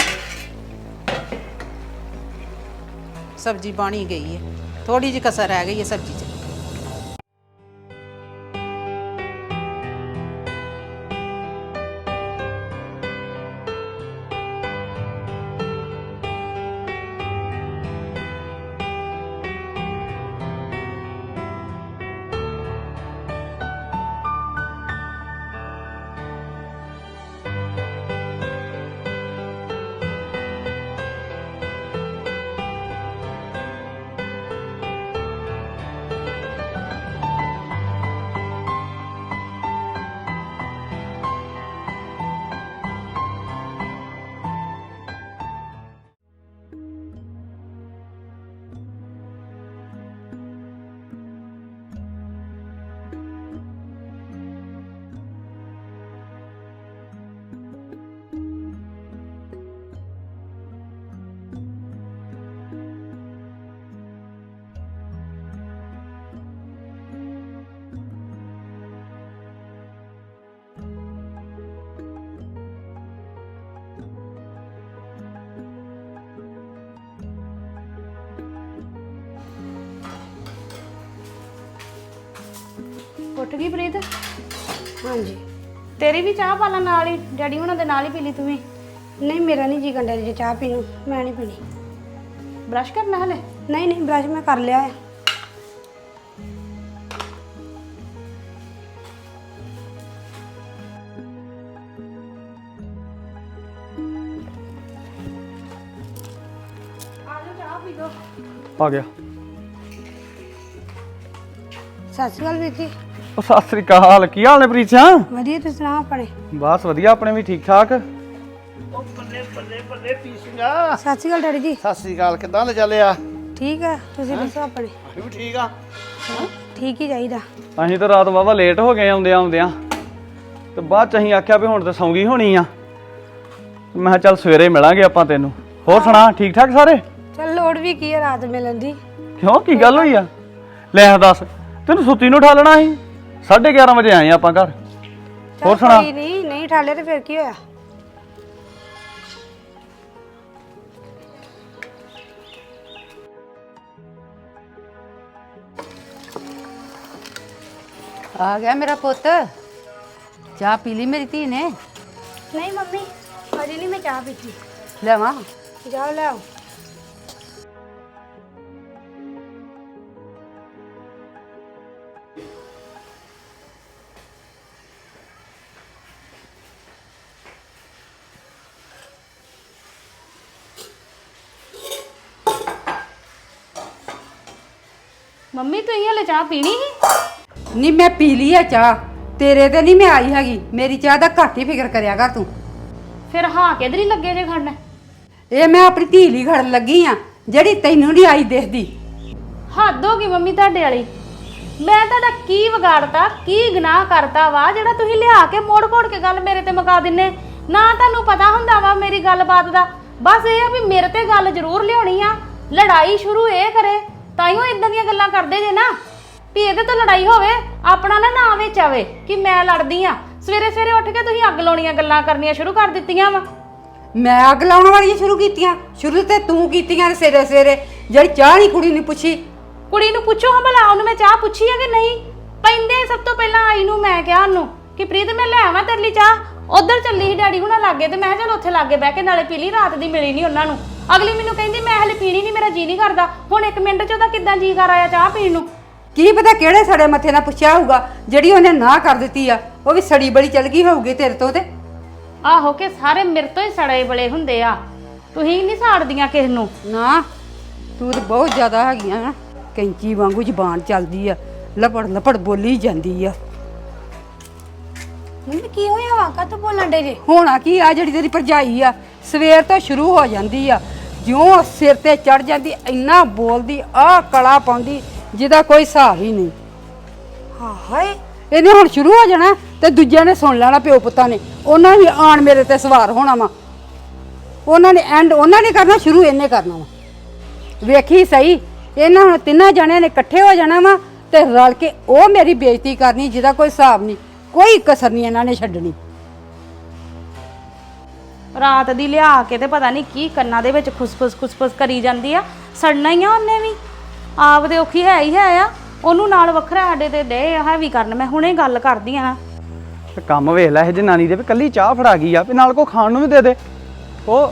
ਸਬਜ਼ੀ ਬਣੀ ਗਈ ਏ, ਥੋੜੀ ਜਿਹੀ ਕਸਰ ਰਹਿ ਗਈ ਏ ਸਬਜ਼ੀ 'ਚ। ਉੱਠ ਗਈ ਪ੍ਰੀਤ? ਹਾਂਜੀ। ਤੇਰੀ ਵੀ ਚਾਹ ਪਾ ਲਾ ਨਾਲ ਹੀ, ਡੈਡੀ ਹੁਣਾਂ ਦੇ ਨਾਲ ਹੀ ਪੀ ਲਈ ਤੂੰ ਵੀ। ਨਹੀਂ ਮੇਰਾ ਨਹੀਂ ਜੀ ਕੰਡਿਆ ਜੇ ਚਾਹ ਪੀਣ ਨੂੰ, ਮੈਂ ਨਹੀਂ ਪੀਣੀ। ਬ੍ਰਸ਼ ਕਰਨਾ ਹਲੇ? ਨਹੀਂ ਨਹੀਂ ਬ੍ਰਸ਼ ਮੈਂ ਕਰ ਲਿਆ ਹੈ। ਆ ਗਿਆ। ਸਤਿ ਸ਼੍ਰੀ ਅਕਾਲ ਵੀਰ ਜੀ। ਉਹ ਸਤਿ ਸ੍ਰੀ ਅਕਾਲ, ਕੀ ਹਾਲ ਨੇ ਪ੍ਰੀਤ ਸਿਆ? ਵਧੀਆ, ਤੁਸੀਂ ਸੁਣਾਓ ਆਪਣੇ? ਬਸ ਵਧੀਆ, ਆਪਣੇ ਵੀ ਠੀਕ ਠਾਕ। ਸਤਿ ਸ਼੍ਰੀ ਅਕਾਲ ਡੈਡੀ ਜੀ। ਸਤਿ ਸ੍ਰੀ ਅਕਾਲ, ਕਿੱਦਾਂ ਲੈ ਚੱਲਿਆ? ਠੀਕ ਆ, ਤੁਸੀਂ ਦੱਸੋ ਆਪਣੇ? ਅਸੀਂ ਵੀ ਠੀਕ ਆ। ਠੀਕ ਹੀ ਚਾਹੀਦਾ। ਅਸੀਂ ਤਾਂ ਰਾਤ ਵਾਵਾ ਲੇਟ ਹੋ ਗਏ ਆਉਂਦਿਆਂ ਤੇ ਬਾਅਦ ਚ ਅਸੀਂ ਆਖਿਆ ਵੀ ਹੁਣ ਤਾਂ ਸੌਂਗੀ ਹੋਣੀ ਆ। ਮੈਂ ਕਿਹਾ ਚੱਲ ਸਵੇਰੇ ਮਿਲਾਂਗੇ ਆਪਾਂ ਤੈਨੂੰ। ਹੋਰ ਸੁਣਾ, ਠੀਕ ਠਾਕ ਸਾਰੇ? ਚੱਲ ਲੋੜ ਵੀ ਕੀ ਹੈ ਰਾਤ ਮਿਲਣ ਦੀ। ਕਿਉਂ, ਕੀ ਗੱਲ ਹੋਈ ਆ? ਲੈ ਦੱਸ, ਤੈਨੂੰ ਸੁੱਤੀ ਨੂੰ ਉਠਾਲਣਾ ਸੀ। 11:30 ਵਜੇ ਆਏ ਆਪਾਂ ਘਰ। ਚੱਲ ਹੋਰ ਸੁਣਾ? ਕੋਈ ਨਹੀਂ ਠਾਲਿਆ ਤੇ ਫਿਰ ਕੀ ਹੋਇਆ? ਆ ਗਿਆ ਮੇਰਾ ਪੁੱਤ। ਚਾਹ ਪੀ ਲਈ ਮੇਰੀ ਧੀ ਨੇ? ਨਹੀਂ ਮੰਮੀ, ਅਜੇ ਨਹੀਂ ਮੈਂ ਚਾਹ ਪੀਤੀ। ਲਿਆਵਾਂ? ਜਾਓ ਲੈ ਆਓ। ਮੰਮੀ ਤੁਸੀਂ ਹਲੇ ਚਾਹ ਪੀਣੀ ਸੀ? ਨਹੀਂ, ਮੈਂ ਪੀ ਲਈ ਆ ਚਾਹ। ਤੇਰੇ ਤੇ ਨਹੀਂ ਮੈਂ ਆਈ ਹੈਗੀ। ਮੇਰੀ ਚਾਹ ਦਾ ਘੱਟ ਹੀ ਫਿਕਰ ਕਰਿਆ ਕਰ ਤੂੰ। ਫਿਰ ਹਾਂ ਕਿਧਰ ਹੀ ਲੱਗੇ ਜੇ ਖੜਨਾ? ਇਹ ਮੈਂ ਆਪਣੀ ਧੀ ਲਈ ਖੜਨ ਲੱਗੀ ਆ, ਜਿਹੜੀ ਤੈਨੂੰ ਨਹੀਂ ਆਈ ਦਿਖਦੀ। ਹੱਦ ਹੋ ਗਈ ਮੰਮੀ ਤੁਹਾਡੇ ਵਾਲੀ। ਮੈਂ ਤੁਹਾਡਾ ਕੀ ਵਿਗਾੜਤਾ, ਕੀ ਗੁਨਾਹ ਕਰਤਾ ਵਾ ਜਿਹੜਾ ਤੁਸੀਂ ਲਿਆ ਕੇ ਮੋੜ-ਕੋੜ ਕੇ ਗੱਲ ਮੇਰੇ ਤੇ ਮੁਕਾ ਦਿੰਨੇ? ਨਾ ਤੁਹਾਨੂੰ ਪਤਾ ਹੁੰਦਾ ਵਾ ਮੇਰੀ ਗੱਲਬਾਤ ਦਾ। ਬਸ ਇਹ ਆ ਵੀ ਮੇਰੇ ਤੇ ਗੱਲ ਜ਼ਰੂਰ ਲਿਆਉਣੀ ਆ, ਲੜਾਈ ਸ਼ੁਰੂ ਇਹ ਕਰੇ ਤਾਈਓ ਇਦਾਂ ਦੀਆਂ ਗੱਲਾਂ ਕਰਦੇ ਜੇ ਨਾ ਵੀ ਇਹਦੇ ਤੋਂ ਲੜਾਈ ਹੋਵੇ, ਆਪਣਾ ਨਾ ਵਿੱਚ ਆਵੇ ਕਿ ਮੈਂ ਲੜਦੀ ਆ। ਸਵੇਰੇ ਸਵੇਰੇ ਉੱਠ ਕੇ ਤੁਸੀਂ ਅੱਗ ਲਾਉਣੀਆਂ ਗੱਲਾਂ ਕਰਨੀਆਂ ਸ਼ੁਰੂ ਕਰ ਦਿੱਤੀਆਂ ਵਾ। ਮੈਂ ਅੱਗ ਲਾਉਣ ਵਾਲੀਆਂ ਸ਼ੁਰੂ ਕੀਤੀਆਂ? ਸ਼ੁਰੂ ਤੇ ਤੂੰ ਕੀਤੀਆਂ ਸਵੇਰੇ ਸਵੇਰੇ, ਜਿਹੜੀ ਚਾਹ ਨਹੀਂ ਕੁੜੀ ਨੇ ਪੁੱਛੀ। ਕੁੜੀ ਨੂੰ ਪੁੱਛੋ ਹਾਂ ਭਲਾ, ਉਹਨੂੰ ਮੈਂ ਚਾਹ ਪੁੱਛੀ ਹੈ ਕਿ ਨਹੀਂ? ਪੈਂਦੇ ਸਭ ਤੋਂ ਪਹਿਲਾਂ ਆਈ ਨੂੰ ਮੈਂ ਕਿਹਾ ਉਹਨੂੰ ਕਿ ਪ੍ਰੀਤ ਮੈਂ ਲੈ ਆਵਾਂ ਤੇਰੇ ਲਈ ਚਾਹ। ਉਧਰ ਚੱਲੀ ਸੀ ਡੈਡੀ ਹੁਣਾਂ ਲਾਗੇ ਤੇ ਮੈਂ ਕਿਹਾ ਚਲ ਉੱਥੇ ਲਾਗੇ ਬਹਿ ਕੇ ਨਾਲੇ ਪੀ ਲਈ, ਰਾਤ ਦੀ ਮਿਲੀ ਨਹੀਂ ਉਹਨਾਂ ਨੂੰ। ਅਗਲੀ ਮੈਨੂੰ ਕਹਿੰਦੀ ਮੈਂ ਹਲੇ ਪੀਣੀ ਨਹੀਂ, ਮੇਰਾ ਜੀ ਨਹੀਂ ਕਰਦਾ। ਹੁਣ 1 ਮਿੰਟ ਚ ਉਹਦਾ ਕਿੱਦਾਂ ਜੀ ਕਰ ਆਇਆ ਚਾਹ ਪੀਣ ਨੂੰ? ਕੀ ਪਤਾ ਕਿਹੜੇ ਸੜੇ ਮੱਥੇ ਨਾਲ ਪੁੱਛਿਆ ਹੋਊਗਾ, ਜਿਹੜੀ ਉਹਨੇ ਨਾ ਕਰ ਦਿੱਤੀ ਆ। ਉਹ ਵੀ ਸੜੀ ਬੜੀ ਚਲ ਗਈ ਹੋਊਗੀ ਤੇਰੇ ਤੋਂ। ਤੇ ਆਹੋ ਕਿ ਸਾਰੇ ਮੇਰੇ ਤੋਂ ਹੀ ਸੜੇ ਬਲੇ ਹੁੰਦੇ ਆ, ਤੁਸੀਂ ਨਹੀਂ ਸਾੜਦੀਆਂ ਕਿਸ ਨੂੰ। ਨਾ, ਤੂੰ ਤਾਂ ਬਹੁਤ ਜ਼ਿਆਦਾ ਹੈਗੀਆਂ ਨਾ। ਕੈਂਚੀ ਵਾਂਗੂ ਜ਼ਬਾਨ ਚੱਲਦੀ ਆ, ਲਪੜ ਲਪੜ ਬੋਲੀ ਜਾਂਦੀ ਆ। ਮੰਮੀ ਕੀ ਹੋਇਆ ਵਾ? ਕਾਹਤੋਂ ਬੋਲਣ ਡੇ ਜੇ? ਹੋਣਾ ਕੀ ਆ, ਜਿਹੜੀ ਤੇਰੀ ਭਰਜਾਈ ਆ ਸਵੇਰ ਤੋਂ ਸ਼ੁਰੂ ਹੋ ਜਾਂਦੀ ਆ, ਜਿਉਂ ਸਿਰ ਤੇ ਚੜ ਜਾਂਦੀ ਇੰਨਾ ਬੋਲਦੀ, ਆਹ ਕਲਾ ਪਾਉਂਦੀ ਜਿਹਦਾ ਕੋਈ ਹਿਸਾਬ ਹੀ ਨਹੀਂ। ਹਾਏ, ਇਹਨੇ ਹੁਣ ਸ਼ੁਰੂ ਹੋ ਜਾਣਾ ਤੇ ਦੂਜਿਆਂ ਨੇ ਸੁਣ ਲੈਣਾ, ਪਿਓ ਪੁੱਤਾਂ ਨੇ। ਉਹਨਾਂ ਵੀ ਆਣ ਮੇਰੇ ਤੇ ਸਵਾਰ ਹੋਣਾ ਵਾ। ਉਹਨਾਂ ਨੇ ਕਰਨਾ ਸ਼ੁਰੂ, ਇਹਨੇ ਕਰਨਾ ਵਾ। ਵੇਖੀ ਸਹੀ, ਇਹਨਾਂ ਹੁਣ ਤਿੰਨਾਂ ਜਣਿਆਂ ਨੇ ਇਕੱਠੇ ਹੋ ਜਾਣਾ ਵਾ ਤੇ ਰਲ ਕੇ ਉਹ ਮੇਰੀ ਬੇਇੱਜ਼ਤੀ ਕਰਨੀ ਜਿਹਦਾ ਕੋਈ ਹਿਸਾਬ ਨਹੀਂ। ਕੋਈ ਕਸਰ ਨਹੀਂ ਇਹਨਾਂ ਨੇ ਛੱਡਣੀ। ਰਾਤ ਦੀ ਲਿਆ ਕੇ ਤੇ ਪਤਾ ਨਹੀਂ ਕੀ ਕੰਨਾਂ ਦੇ ਵਿੱਚ ਖੁਸਫੁਸ ਕਰੀ ਜਾਂਦੀ ਆ। ਸੜਨਾ ਹੀ ਆ ਉਹਨੇ ਵੀ, ਆਪ ਦੇ ਔਖੀ ਹੈ ਹੀ ਹੈ ਆ। ਉਹਨੂੰ ਨਾਲ ਵੱਖਰਾ ਸਾਡੇ ਤੇ ਦੇ ਹੈਵੀ ਕਰਨ। ਮੈਂ ਹੁਣੇ ਗੱਲ ਕਰਦੀ ਆ। ਤੇ ਕੰਮ ਵੇਖ ਲੈ ਇਹ ਜਨਾਨੀ ਦੇ, ਵੀ ਕੱਲੀ ਚਾਹ ਫੜਾ ਗਈ ਆ, ਵੀ ਨਾਲ ਕੋ ਖਾਣ ਨੂੰ ਵੀ ਦੇ ਦੇ। ਉਹ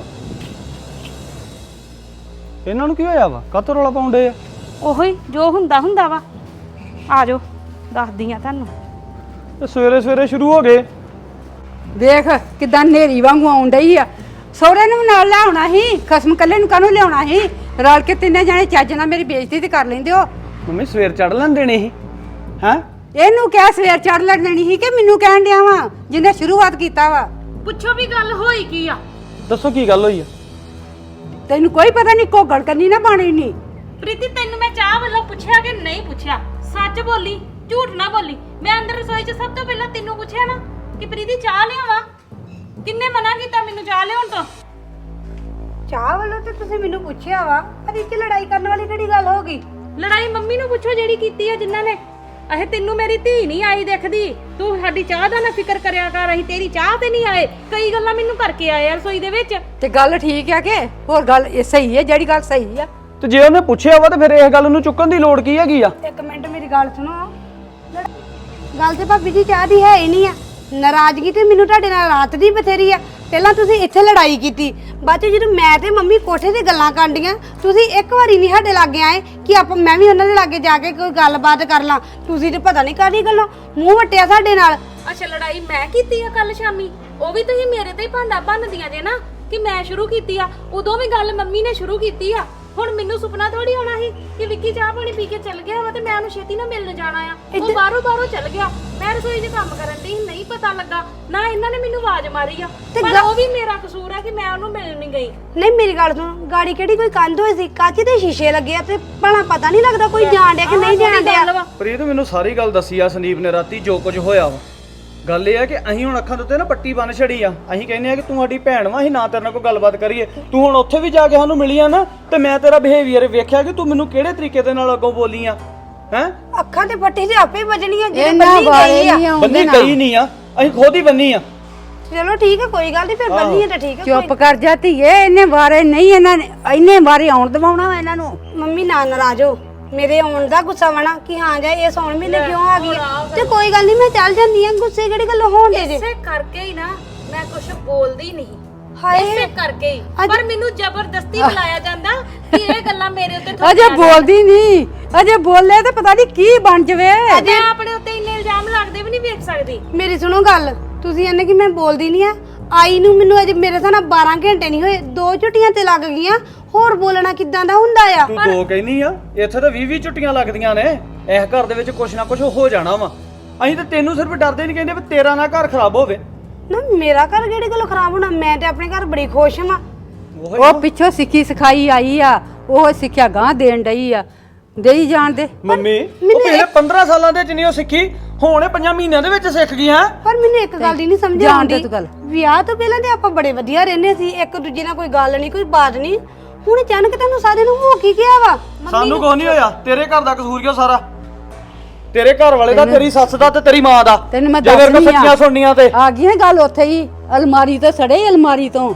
ਇਹਨਾਂ ਨੂੰ ਕੀ ਹੋਇਆ ਵਾ? ਕਾਹਤੋਂ ਰੌਲਾ ਪਾਉਂਦੇ ਆ? ਉਹੀ ਜੋ ਹੁੰਦਾ ਵਾ। ਆ ਜਾਓ ਦੱਸਦੀ ਆ ਤੁਹਾਨੂੰ। ਤੇ ਸਵੇਰੇ ਸਵੇਰੇ ਸ਼ੁਰੂ ਹੋ ਗਏ। ਵੇਖ ਕਿਦਾਂ ਨੇਰੀ ਵਾਂਗੂ ਆਉਣ ਡਈ ਆ। ਸਹੁਰੇ ਨੂੰ ਵੀ ਨਾਲ ਲਿਆਉਣਾ ਸੀ, ਖਸਮ ਕੱਲੇ ਨੂੰ ਕਾਹਨੂੰ ਲਿਆਉਣਾ ਸੀ? ਰਲ ਕੇ ਤਿੰਨੇ ਜਾਣੇ ਚੱਜ ਨਾਲ ਮੇਰੀ ਬੇਇੱਜ਼ਤੀ ਤੇ ਕਰ ਲੈਂਦੇ ਹੋ। ਮੰਮੀ ਸਵੇਰ ਚੜ ਲੈਣ ਦੇਣੀ ਸੀ ਹੈਂ? ਇਹਨੂੰ ਕਿਹਾ ਸਵੇਰ ਚੜ ਲੈਣ ਦੇਣੀ ਸੀ ਕਿ ਮੈਨੂੰ ਕਹਿਣ ਡਿਆ ਵਾ ਜਿਹਨੇ ਸ਼ੁਰੂਆਤ ਕੀਤਾ ਵਾ? ਪੁੱਛੋ ਵੀ ਗੱਲ ਹੋਈ ਕੀ ਆ? ਦੱਸੋ ਕੀ ਗੱਲ ਹੋਈ ਆ? ਤੈਨੂੰ ਕੋਈ ਪਤਾ ਨਹੀਂ, ਘੋਗੜ ਕਰਨੀ ਨਾ ਬਾਣੀ ਨਹੀਂ। ਪ੍ਰੀਤੀ ਤੈਨੂੰ ਮੈਂ ਚਾਹ ਵੱਲੋਂ ਪੁੱਛਿਆ ਕਿ ਨਹੀਂ ਪੁੱਛਿਆ? ਸੱਚ ਬੋਲੀ, ਝੂਠ ਨਾ ਬੋਲੀ। ਮੈਂ ਅੰਦਰ ਰਸੋਈ 'ਚ ਸਭ ਤੋਂ ਪਹਿਲਾਂ ਤੈਨੂੰ ਪੁੱਛਿਆ ਨਾ ਕਿ ਪ੍ਰੀਤੀ ਚਾਹ ਲਿਆਵਾਂ? ਕਿੰਨੇ ਮਨਾ ਕੀਤਾ ਮੈਨੂੰ ਚਾਹ ਲਿਆਉਣ ਤੋਂ? ਚਾਹ ਵੱਲੋਂ ਤੇ ਤੁਸੀਂ ਮੈਨੂੰ ਪੁੱਛਿਆ ਵਾ, ਪਰ ਇਹ 'ਚ ਲੜਾਈ ਕਰਨ ਵਾਲੀ ਕਿਹੜੀ ਗੱਲ ਹੋ ਗਈ? ਲੜਾਈ ਮੰਮੀ ਨੂੰ ਪੁੱਛੋ ਜਿਹੜੀ ਕੀਤੀ ਆ ਜਿਨ੍ਹਾਂ ਨੇ। ਅਹੇ ਤੈਨੂੰ ਮੇਰੀ ਧੀ ਨਹੀਂ ਆਈ ਦਿਖਦੀ, ਤੂੰ ਸਾਡੀ ਚਾਹ ਦਾ ਨਾ ਫਿਕਰ ਕਰਿਆ ਕਰ। ਅਸੀਂ ਤੇਰੀ ਚਾਹ ਤੇ ਨਹੀਂ ਆਏ, ਕਈ ਗੱਲਾਂ ਮੈਨੂੰ ਕਰਕੇ ਆਏ ਆ ਰਸੋਈ ਦੇ ਵਿੱਚ। ਤੇ ਗੱਲ ਠੀਕ ਆ ਕਿ ਹੋਰ ਗੱਲ ਇਹ ਸਹੀ ਹੈ? ਜਿਹੜੀ ਗੱਲ ਸਹੀ ਆ। ਤੇ ਜੇ ਉਹਨੇ ਪੁੱਛਿਆ ਵਾ ਤੇ ਫਿਰ ਇਸ ਗੱਲ ਨੂੰ ਚੁੱਕਣ ਦੀ ਲੋੜ ਕੀ ਹੈਗੀ ਆ? 1 ਮਿੰਟ ਮੇਰੀ ਗੱਲ ਸੁਣੋ। ਗੱਲ ਤੇ ਭਾਬੀ ਜੀ ਚਾਹ ਦੀ ਹੈ ਹੀ ਨਹੀਂ ਆ। ਨਾਰਾਜ਼ਗੀ ਤੇ ਮੈਨੂੰ ਤੁਹਾਡੇ ਨਾਲ ਰਾਤ ਦੀ ਬਥੇਰੀ ਆ। ਪਹਿਲਾਂ ਤੁਸੀਂ ਇੱਥੇ ਲੜਾਈ ਕੀਤੀ, ਬਾਅਦ ਚ ਜਦੋਂ ਮੈਂ ਤੇ ਮੰਮੀ ਕੋਠੇ ਤੇ ਗੱਲਾਂ ਕਰਦੀਆਂ, ਤੁਸੀਂ ਇੱਕ ਵਾਰੀ ਨਹੀਂ ਸਾਡੇ ਲਾਗੇ ਆਏ ਕਿ ਮੈਂ ਵੀ ਉਹਨਾਂ ਦੇ ਲਾਗੇ ਜਾ ਕੇ ਕੋਈ ਗੱਲਬਾਤ ਕਰ ਲਾਂ। ਤੁਸੀਂ ਤੇ ਪਤਾ ਨਹੀਂ ਕਾਹਦੀ ਗੱਲੋਂ ਮੂੰਹ ਵਟਿਆ ਸਾਡੇ ਨਾਲ। ਅੱਛਾ ਲੜਾਈ ਮੈਂ ਕੀਤੀ ਆ ਕੱਲ ਸ਼ਾਮੀ? ਉਹ ਵੀ ਤੁਸੀਂ ਮੇਰੇ ਤੇ ਹੀ ਭਾਂਡਾ ਭੰਨਦੀਆਂ ਜੇ ਨਾ ਕਿ ਮੈਂ ਸ਼ੁਰੂ ਕੀਤੀ ਆ। ਉਦੋਂ ਵੀ ਗੱਲ ਮੰਮੀ ਨੇ ਸ਼ੁਰੂ ਕੀਤੀ ਆ। ਹੁਣ ਮੈਨੂੰ ਸੁਪਨਾ ਥੋੜੀ ਆਉਣਾ ਸੀ ਕਿ ਵਿੱਕੀ ਚਾਹ ਪਾਣੀ ਪੀ ਕੇ ਚੱਲ ਗਿਆ ਵਾ ਤੇ ਮੈਂ ਉਹਨੂੰ ਛੇਤੀ ਨਾਲ ਮਿਲਣ ਜਾਣਾ ਆ। ਉਹ ਬਾਹਰੋਂ ਚੱਲ ਗਿਆ, ਮੈਂ ਰਸੋਈ 'ਚ ਕੰਮ ਕਰਨ ਦੀ ਨਹੀਂ ਪਤਾ ਲੱਗਾ ਨਾ ਇਹਨਾਂ ਨੇ ਮੈਨੂੰ ਆਵਾਜ਼ ਮਾਰੀ ਆ, ਪਰ ਉਹ ਵੀ ਮੇਰਾ ਕਸੂਰ ਆ ਕਿ ਮੈਂ ਉਹਨੂੰ ਮਿਲਣ ਨਹੀਂ ਗਈ। ਨਹੀਂ ਮੇਰੀ ਗੱਲ ਸੁਣ, ਗਾੜੀ ਕਿਹੜੀ ਕੋਈ ਕੰਧ ਹੋਈ ਸੀ, ਕੱਚ ਦੇ ਸ਼ੀਸ਼ੇ ਲੱਗੇ ਆ ਤੇ ਭਲਾ ਪਤਾ ਨਹੀਂ ਲੱਗਦਾ ਕੋਈ ਜਾਣ ਡਿਆ ਕਿ ਨਹੀਂ ਜਾਣ ਡਿਆ। ਪ੍ਰੀਤ ਮੈਨੂੰ ਸਾਰੀ ਗੱਲ ਦੱਸੀ ਆ ਸੰਦੀਪ ਨੇ ਰਾਤੀ ਜੋ ਕੁਝ ਹੋਇਆ ਵਾ। ਗੱਲ ਇਹ ਆ ਕਿ ਅਸੀਂ ਹੁਣ ਅੱਖਾਂ ਦੇ ਉੱਤੇ ਨਾ ਪੱਟੀ ਬੰਨ ਛੜੀ ਆ। ਅਸੀਂ ਕਹਿੰਦੇ ਆ ਕਿ ਤੂੰ ਸਾਡੀ ਭੈਣ ਵਾ, ਅਸੀਂ ਨਾ ਤੇਰੇ ਨਾਲ ਕੋਈ ਗੱਲਬਾਤ ਕਰੀਏ। ਤੂੰ ਹੁਣ ਉੱਥੇ ਵੀ ਜਾ ਕੇ ਸਾਨੂੰ ਮਿਲੀ ਆ ਨਾ, ਤੇ ਮੈਂ ਤੇਰਾ ਬਿਹੇਵੀਅਰ ਵੇਖਿਆ ਕਿ ਤੂੰ ਮੈਨੂੰ ਕਿਹੜੇ ਤਰੀਕੇ ਦੇ ਨਾਲ ਅੱਗੋਂ ਬੋਲੀ ਆ। ਹੈ ਅੱਖਾਂ ਤੇ ਪੱਟੀ ਤੇ ਆਪੇ ਵੱਜਣੀਆਂ ਜਿਹੜੇ ਇਹਨਾਂ ਬੰਨੀ ਵਾਲੇ ਗਈ ਆ। ਨਹੀਂ ਆਉਂਦੇ ਬੰਨੀ ਨਾ। ਗਈ ਨਹੀਂ ਆ, ਅਸੀਂ ਖੁਦ ਹੀ ਬੰਨੀ ਆ। ਚਲੋ ਠੀਕ ਹੈ, ਕੋਈ ਗੱਲ ਨਹੀਂ, ਫਿਰ ਬੰਨੀ ਹੈ ਤਾਂ ਠੀਕ ਹੈ। ਚੁੱਪ ਕਰ ਜਾ ਧੀਏ, ਇਹਨੇ ਵਾਰੇ ਨਹੀਂ, ਇਹਨਾਂ ਨੇ ਇੰਨੇ ਵਾਰੀ ਆਉਣ ਦਵਾਉਣਾ ਵਾ ਇਹਨਾਂ ਨੂੰ। ਮੰਮੀ ਨਾ ਨਾਰਾਜ਼ ਹੋ, ਮੇਰੇ ਆਉਣ ਦਾ ਗੁੱਸਾ ਵਣਾ ਕਿ ਹਾਂ ਜਾ ਇਹ ਸੌਣ ਮਹੀਨੇ ਕਿਉਂ ਆ ਗਈ ਆ। ਤੇ ਕੋਈ ਗੱਲ ਨਹੀਂ, ਮੈਂ ਚੱਲ ਜਾਂਦੀ ਆ, ਗੁੱਸੇ ਕਿਹੜੀ ਗੱਲੋਂ ਹੋਣ ਦੇ ਜੇ। ਇਸੇ ਕਰਕੇ ਹੀ ਨਾ ਮੈਂ ਕੁਝ ਬੋਲਦੀ ਨਹੀਂ, ਹਾਏ ਇਸੇ ਕਰਕੇ ਹੀ। ਪਰ ਮੈਨੂੰ ਜ਼ਬਰਦਸਤੀ ਬੁਲਾਇਆ ਜਾਂਦਾ ਕਿ ਇਹ ਗੱਲਾਂ ਮੇਰੇ ਉੱਤੇ ਅਜੇ ਬੋਲਦੀ ਨਹੀਂ, ਅਜੇ ਬੋਲੇ ਤੇ ਪਤਾ ਨਹੀਂ ਕੀ ਬਣ ਜਵੇ। ਮੈਂ ਆਪਣੇ ਉੱਤੇ ਇੰਨੇ ਇਲਜ਼ਾਮ ਲੱਗਦੇ ਵੀ ਨਹੀਂ ਵੇਖ ਸਕਦੀ। ਮੇਰੀ ਸੁਣੋ ਗੱਲ, ਤੁਸੀਂ ਇਹਨੇ ਕਿ ਮੈਂ ਬੋਲਦੀ ਨਹੀਂ ਆ, ਆਈ ਨੂੰ ਮੈਨੂੰ ਅਜੇ ਮੇਰੇ ਸਾਹ 12 ਘੰਟੇ ਨਹੀਂ ਹੋਏ, 2 ਛੁੱਟੀਆਂ ਤੇ ਲੱਗ ਗਈਆਂ। ਹੋਰ ਬੋਲਣਾ ਕਿੱਦਾਂ ਦਾ ਹੁੰਦਾ ਆ। ਤੂੰ ਦੋ ਕਹਿਨੀ ਆ, ਇੱਥੇ ਤਾਂ 20 ਛੁੱਟੀਆਂ ਲੱਗਦੀਆਂ ਨੇ। ਇਸ ਘਰ ਦੇ ਵਿੱਚ ਕੁਛ ਨਾ ਕੁਛ ਹੋ ਜਾਣਾ ਵਾ। ਅਸੀਂ ਤਾਂ ਤੈਨੂੰ ਸਿਰਫ ਡਰਦੇ ਨਹੀਂ ਕਹਿੰਦੇ ਵੀ ਤੇਰਾ ਨਾ ਘਰ ਖਰਾਬ ਹੋਵੇ। ਨਾ ਮੇਰਾ ਘਰ ਕਿਹੜੀ ਗੱਲੋਂ ਖਰਾਬ ਹੋਣਾ, ਮੈਂ ਤੇ ਆਪਣੇ ਘਰ ਬੜੀ ਖੁਸ਼ ਹਾਂ। ਉਹ ਪਿੱਛੋਂ ਸਿੱਖੀ ਸਿਖਾਈ ਆਈ ਆ, ਉਹ ਸਿੱਖਿਆ ਗਾਂ ਦੇਣ ਡਈ ਆ, ਦੇਈ ਜਾਣ ਦੇ। ਮੰਮੀ ਉਹ ਪਹਿਲੇ 15 ਸਾਲਾਂ ਦੇ ਚ ਨਹੀਂ ਉਹ ਸਿੱਖੀ, ਹੁਣ ਇਹ 5 ਮਹੀਨਿਆਂ ਦੇ ਵਿੱਚ ਸਿੱਖ ਗਈ ਹੈ। ਪਰ ਮੈਨੂੰ ਇੱਕ ਗੱਲ ਦੀ ਨਹੀਂ ਸਮਝ ਜਾਣ ਦੇ ਆਉਂਦੀ, ਤੂੰ ਗੱਲ। ਵਿਆਹ ਤੋਂ ਪਹਿਲਾਂ ਤੇ ਆਪਾਂ ਬੜੇ ਵਧੀਆ ਰਹਿੰਦੇ ਸੀ, ਇੱਕ ਦੂਜੇ ਨਾਲ ਕੋਈ ਗੱਲ ਨਹੀਂ, ਕੋਈ ਬਾਤ ਨਹੀਂ। ਹੁਣ ਅਚਾਨਕ ਤੁਹਾਨੂੰ ਸਾਰੇ ਨੂੰ ਹੋ ਕੀ ਗਿਆ ਵਾ। ਸਾਨੂੰ ਕੁਝ ਨਹੀਂ ਹੋਇਆ, ਤੇਰੇ ਘਰ ਦਾ ਕਸੂਰ ਕਿਉਂ ਸਾਰਾ? ਤੇਰੇ ਘਰ ਵਾਲੇ ਦਾ, ਤੇਰੀ ਸੱਸ ਦਾ ਤੇ ਤੇਰੀ ਮਾਂ ਦਾ। ਤੈਨੂੰ ਮੈਂ ਜੇ ਮੇਰੇ ਕੋਲ ਦੱਸਣੀ ਸੱਚੀਆਂ ਸੁਣਨੀਆਂ ਤੇ ਆ ਗਈ ਗੱਲ ਉੱਥੇ ਹੀ, ਅਲਮਾਰੀ ਤੋਂ ਸੜੇ, ਅਲਮਾਰੀ ਤੋਂ।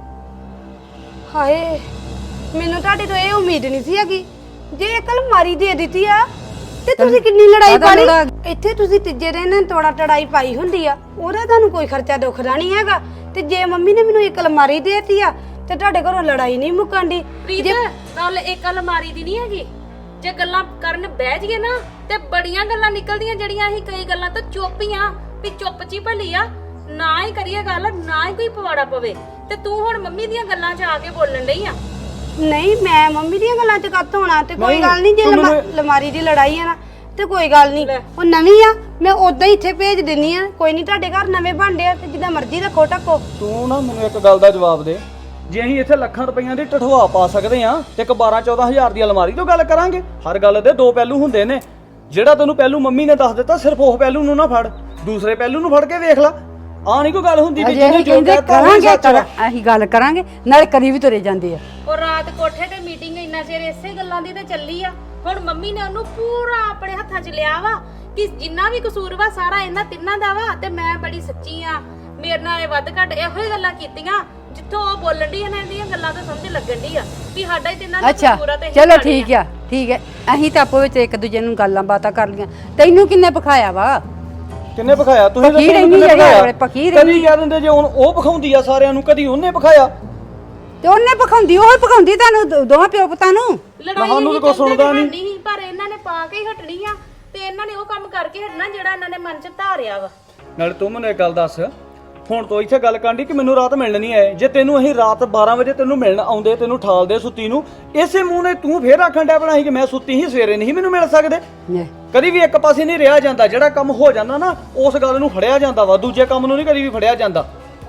ਹਾਏ, ਮੈਨੂੰ ਤੁਹਾਡੇ ਤੋਂ ਇਹ ਉਮੀਦ ਨਹੀਂ ਸੀ ਹੈਗੀ। ਜੇ ਇੱਕ ਅਲਮਾਰੀ ਦੇ ਦਿੱਤੀ ਆ ਤੇ ਤੁਸੀਂ ਕਿੰਨੀ ਲੜਾਈ ਪਾ ਲਈ। ਇੱਥੇ ਤੁਸੀਂ ਤੀਜੇ ਦਿਨ ਨਾਲ ਤੋੜਾ ਟੜਾਈ ਪਾਈ ਹੁੰਦੀ ਆ, ਉਹਦਾ ਤੁਹਾਨੂੰ ਕੋਈ ਖਰਚਾ ਦੁਖਦਾ ਨਹੀਂ ਹੈਗਾ। ਤੇ ਜੇ ਮੰਮੀ ਨੇ ਮੈਨੂੰ ਇੱਕ ਅਲਮਾਰੀ ਦੇ ਦਿੱਤੀ ਆ ਤੇ ਤੁਹਾਡੇ ਘਰੋਂ ਲੜਾਈ ਨਹੀਂ ਮੁੱਕਣਦੀ। ਪ੍ਰੀਤ ਗੱਲ ਇੱਕ ਅਲਮਾਰੀ ਦੀ ਨਹੀਂ ਹੈਗੀ। ਜੇ ਗੱਲਾਂ ਕਰਨ ਬਹਿ ਜੀਏ ਨਾ ਤੇ ਬੜੀਆਂ ਗੱਲਾਂ ਨਿਕਲਦੀਆਂ, ਜਿਹੜੀਆਂ ਅਸੀਂ ਕਈ ਗੱਲਾਂ ਤਾਂ ਚੁੱਪ ਹੀ ਆ ਵੀ ਚੁੱਪ ਚੀ ਭਲੀ ਆ, ਨਾ ਹੀ ਕਰੀਏ ਗੱਲ, ਨਾ ਹੀ ਕੋਈ ਪਵਾੜਾ ਪਵੇ। ਤੇ ਤੂੰ ਹੁਣ ਮੰਮੀ ਦੀਆਂ ਗੱਲਾਂ 'ਚ ਆ ਕੇ ਬੋਲਣ ਡਈ ਆ। ਨਹੀਂ, ਮੈਂ ਮੰਮੀ ਦੀਆਂ ਗੱਲਾਂ 'ਚ ਕੱਤ ਹੋਣਾ ਤੇ ਕੋਈ ਗੱਲ ਨਹੀਂ। ਜੇ ਅਲਮਾਰੀ ਦੀ ਲੜਾਈ ਆ ਨਾ ਤੇ ਕੋਈ ਗੱਲ ਨਹੀਂ, ਉਹ ਨਵੀਂ ਆ, ਮੈਂ ਉਦਾਂ ਹੀ ਇੱਥੇ ਭੇਜ ਦਿੰਨੀ ਆ। ਕੋਈ ਨਹੀਂ, ਤੁਹਾਡੇ ਘਰ ਨਵੇਂ ਭਾਂਡੇ ਆ ਤੇ ਜਿੱਦਾਂ ਮਰਜ਼ੀ ਰੱਖੋ ਟੱਕੋ। ਤੂੰ ਨਾ ਮੈਨੂੰ ਇੱਕ ਗੱਲ ਦਾ ਜਵਾਬ ਦੇ। ਜੇ ਅਸੀਂ ਇੱਥੇ ਲੱਖਾਂ ਰੁਪਈਆਂ ਦੀ ਟਠਵਾ ਪਾ ਸਕਦੇ ਆ ਤੇ ਇੱਕ 12-14 ਹਜ਼ਾਰ ਦੀ ਅਲਮਾਰੀ ਤੋਂ ਗੱਲ ਕਰਾਂਗੇ। ਹਰ ਗੱਲ ਦੇ ਦੋ ਪਹਿਲੂ ਹੁੰਦੇ ਨੇ। ਜਿਹੜਾ ਤੈਨੂੰ ਪਹਿਲੂ ਮੰਮੀ ਨੇ ਦੱਸ ਦਿੱਤਾ, ਸਿਰਫ ਉਹ ਪਹਿਲੂ ਨੂੰ ਨਾ ਫੜ, ਦੂਸਰੇ ਪਹਿਲੂ ਨੂੰ ਫੜ ਕੇ ਵੇਖ ਲੈ। ਆ ਨਹੀਂ ਕੋਈ ਗੱਲ ਹੁੰਦੀ ਵੀ ਜਿਹਨੇ ਜੋ ਕਹਿੰਦੇ ਕਹਿਤਾ ਕਰਾਂਗੇ, ਸੱਚ ਵਾ। ਅਸੀਂ ਗੱਲ ਕਰਾਂਗੇ, ਨਾਲੇ ਕਰੀ ਵੀ ਤੁਰੇ ਜਾਂਦੇ ਆ। ਉਹ ਰਾਤ ਕੋਠੇ ਤੇ ਮੀਟਿੰਗ ਇੰਨਾ ਚਿਰ ਇਸੇ ਗੱਲਾਂ ਦੀ ਤੇ ਚੱਲੀ ਆ। ਹੁਣ ਮੰਮੀ ਨੇ ਉਹਨੂੰ ਪੂਰਾ ਆਪਣੇ ਹੱਥਾਂ 'ਚ ਲਿਆ ਵਾ ਕਿ ਜਿੰਨਾ ਵੀ ਕਸੂਰ ਵਾ ਸਾਰਾ ਇਹਨਾਂ ਤਿੰਨਾਂ ਦਾ ਵਾ, ਤੇ ਮੈਂ ਬੜੀ ਸੱਚੀ ਆ, ਮੇਰੇ ਨਾਲ ਇਹ ਵੱਧ ਘੱਟ ਇਹੋ ਹੀ ਗੱਲਾਂ ਕੀਤੀਆਂ। ਜਿੱਥੋਂ ਉਹ ਬੋਲਣ ਦੀ ਇਹਨਾਂ ਦੀਆਂ ਗੱਲਾਂ ਤੋਂ ਸਮਝ ਲੱਗਣ ਦੀ ਆ ਵੀ ਸਾਡਾ ਹੀ ਤਿੰਨਾਂ ਦਾ ਅੱਛਾ ਕਸੂਰ ਆ। ਤੇ ਚਲੋ ਠੀਕ ਆ, ਠੀਕ ਹੈ। ਅਸੀਂ ਤਾਂ ਆਪੋ ਵਿੱਚ ਇੱਕ ਦੂਜੇ ਨੂੰ ਗੱਲਾਂ ਬਾਤਾਂ ਕਰ ਲੀਆਂ। ਤੈਨੂੰ ਕਿੰਨੇ ਪਖਾਇਆ ਵਾ? ਕਿੰਨੇ ਪਖਾਇਆ? ਤੁਸੀਂ ਪਖੀ ਦੱਸੋ ਰਹਿੰਦੀ ਕਿੰਨੇ ਜਿਹੜੀ ਪਖਾਇਆ? ਆਪਣੇ ਪਖੀ ਕਦੀ ਕਹਿ ਦਿੰਦੇ ਜੇ ਹੁਣ ਉਹ ਪਖਾਉਂਦੀ ਆ ਸਾਰਿਆਂ ਨੂੰ, ਕਦੀ ਉਹਨੇ ਪਖਾਇਆ। ਤੇ ਉਹਨੇ ਪਖਾਉਂਦੀ, ਉਹ ਪਖਾਉਂਦੀ ਤੁਹਾਨੂੰ ਦੋਵਾਂ ਪਿਓ ਪੁੱਤਾਂ ਨੂੰ। ਲੜਾਈ ਸਾਨੂੰ ਤਾਂ ਕੋਈ ਸੁਣਦਾ ਨਹੀਂ, ਪਰ ਇਹਨਾਂ ਨੇ ਪਾ ਕੇ ਹੀ ਹਟਣੀ ਆ ਤੇ ਇਹਨਾਂ ਨੇ ਉਹ ਕੰਮ ਕਰਕੇ ਹਟਣਾ ਜਿਹੜਾ ਇਹਨਾਂ ਨੇ ਮਨ 'ਚ ਧਾਰਿਆ ਵਾ। ਨਾਲੇ ਤੂੰ ਮੈਨੂੰ ਇੱਕ ਗੱਲ ਦੱਸ, ਹੁਣ ਤੋਂ ਇੱਥੇ ਗੱਲ ਕਰਨੀ ਕਿ ਮੈਨੂੰ ਰਾਤ ਮਿਲਣ ਨਹੀਂ ਆਏ। ਜੇ ਤੈਨੂੰ ਅਸੀਂ ਰਾਤ 12 ਵਜੇ ਤੈਨੂੰ ਮਿਲਣ ਆਉਂਦੇ, ਤੈਨੂੰ ਠਾਲਦੇ ਸੁੱਤੀ ਨੂੰ, ਇਸੇ ਮੂੰਹ ਨੇ ਤੂੰ ਫੇਰ ਆਖਣ ਡਿਆ ਬਣਾ ਸੀ ਕਿ ਮੈਂ ਸੁੱਤੀ ਸੀ, ਸਵੇਰੇ ਨਹੀਂ ਮੈਨੂੰ ਮਿਲ ਸਕਦੇ। ਕਦੀ ਵੀ ਇੱਕ ਪਾਸੇ ਨਹੀਂ ਰਿਹਾ ਜਾਂਦਾ। ਜਿਹੜਾ ਕੰਮ ਹੋ ਜਾਂਦਾ ਨਾ, ਉਸ ਗੱਲ ਨੂੰ ਫੜਿਆ ਜਾਂਦਾ ਵਾ, ਦੂਜੇ ਕੰਮ ਨੂੰ ਨਹੀਂ ਕਦੀ ਵੀ ਫੜਿਆ ਜਾਂਦਾ।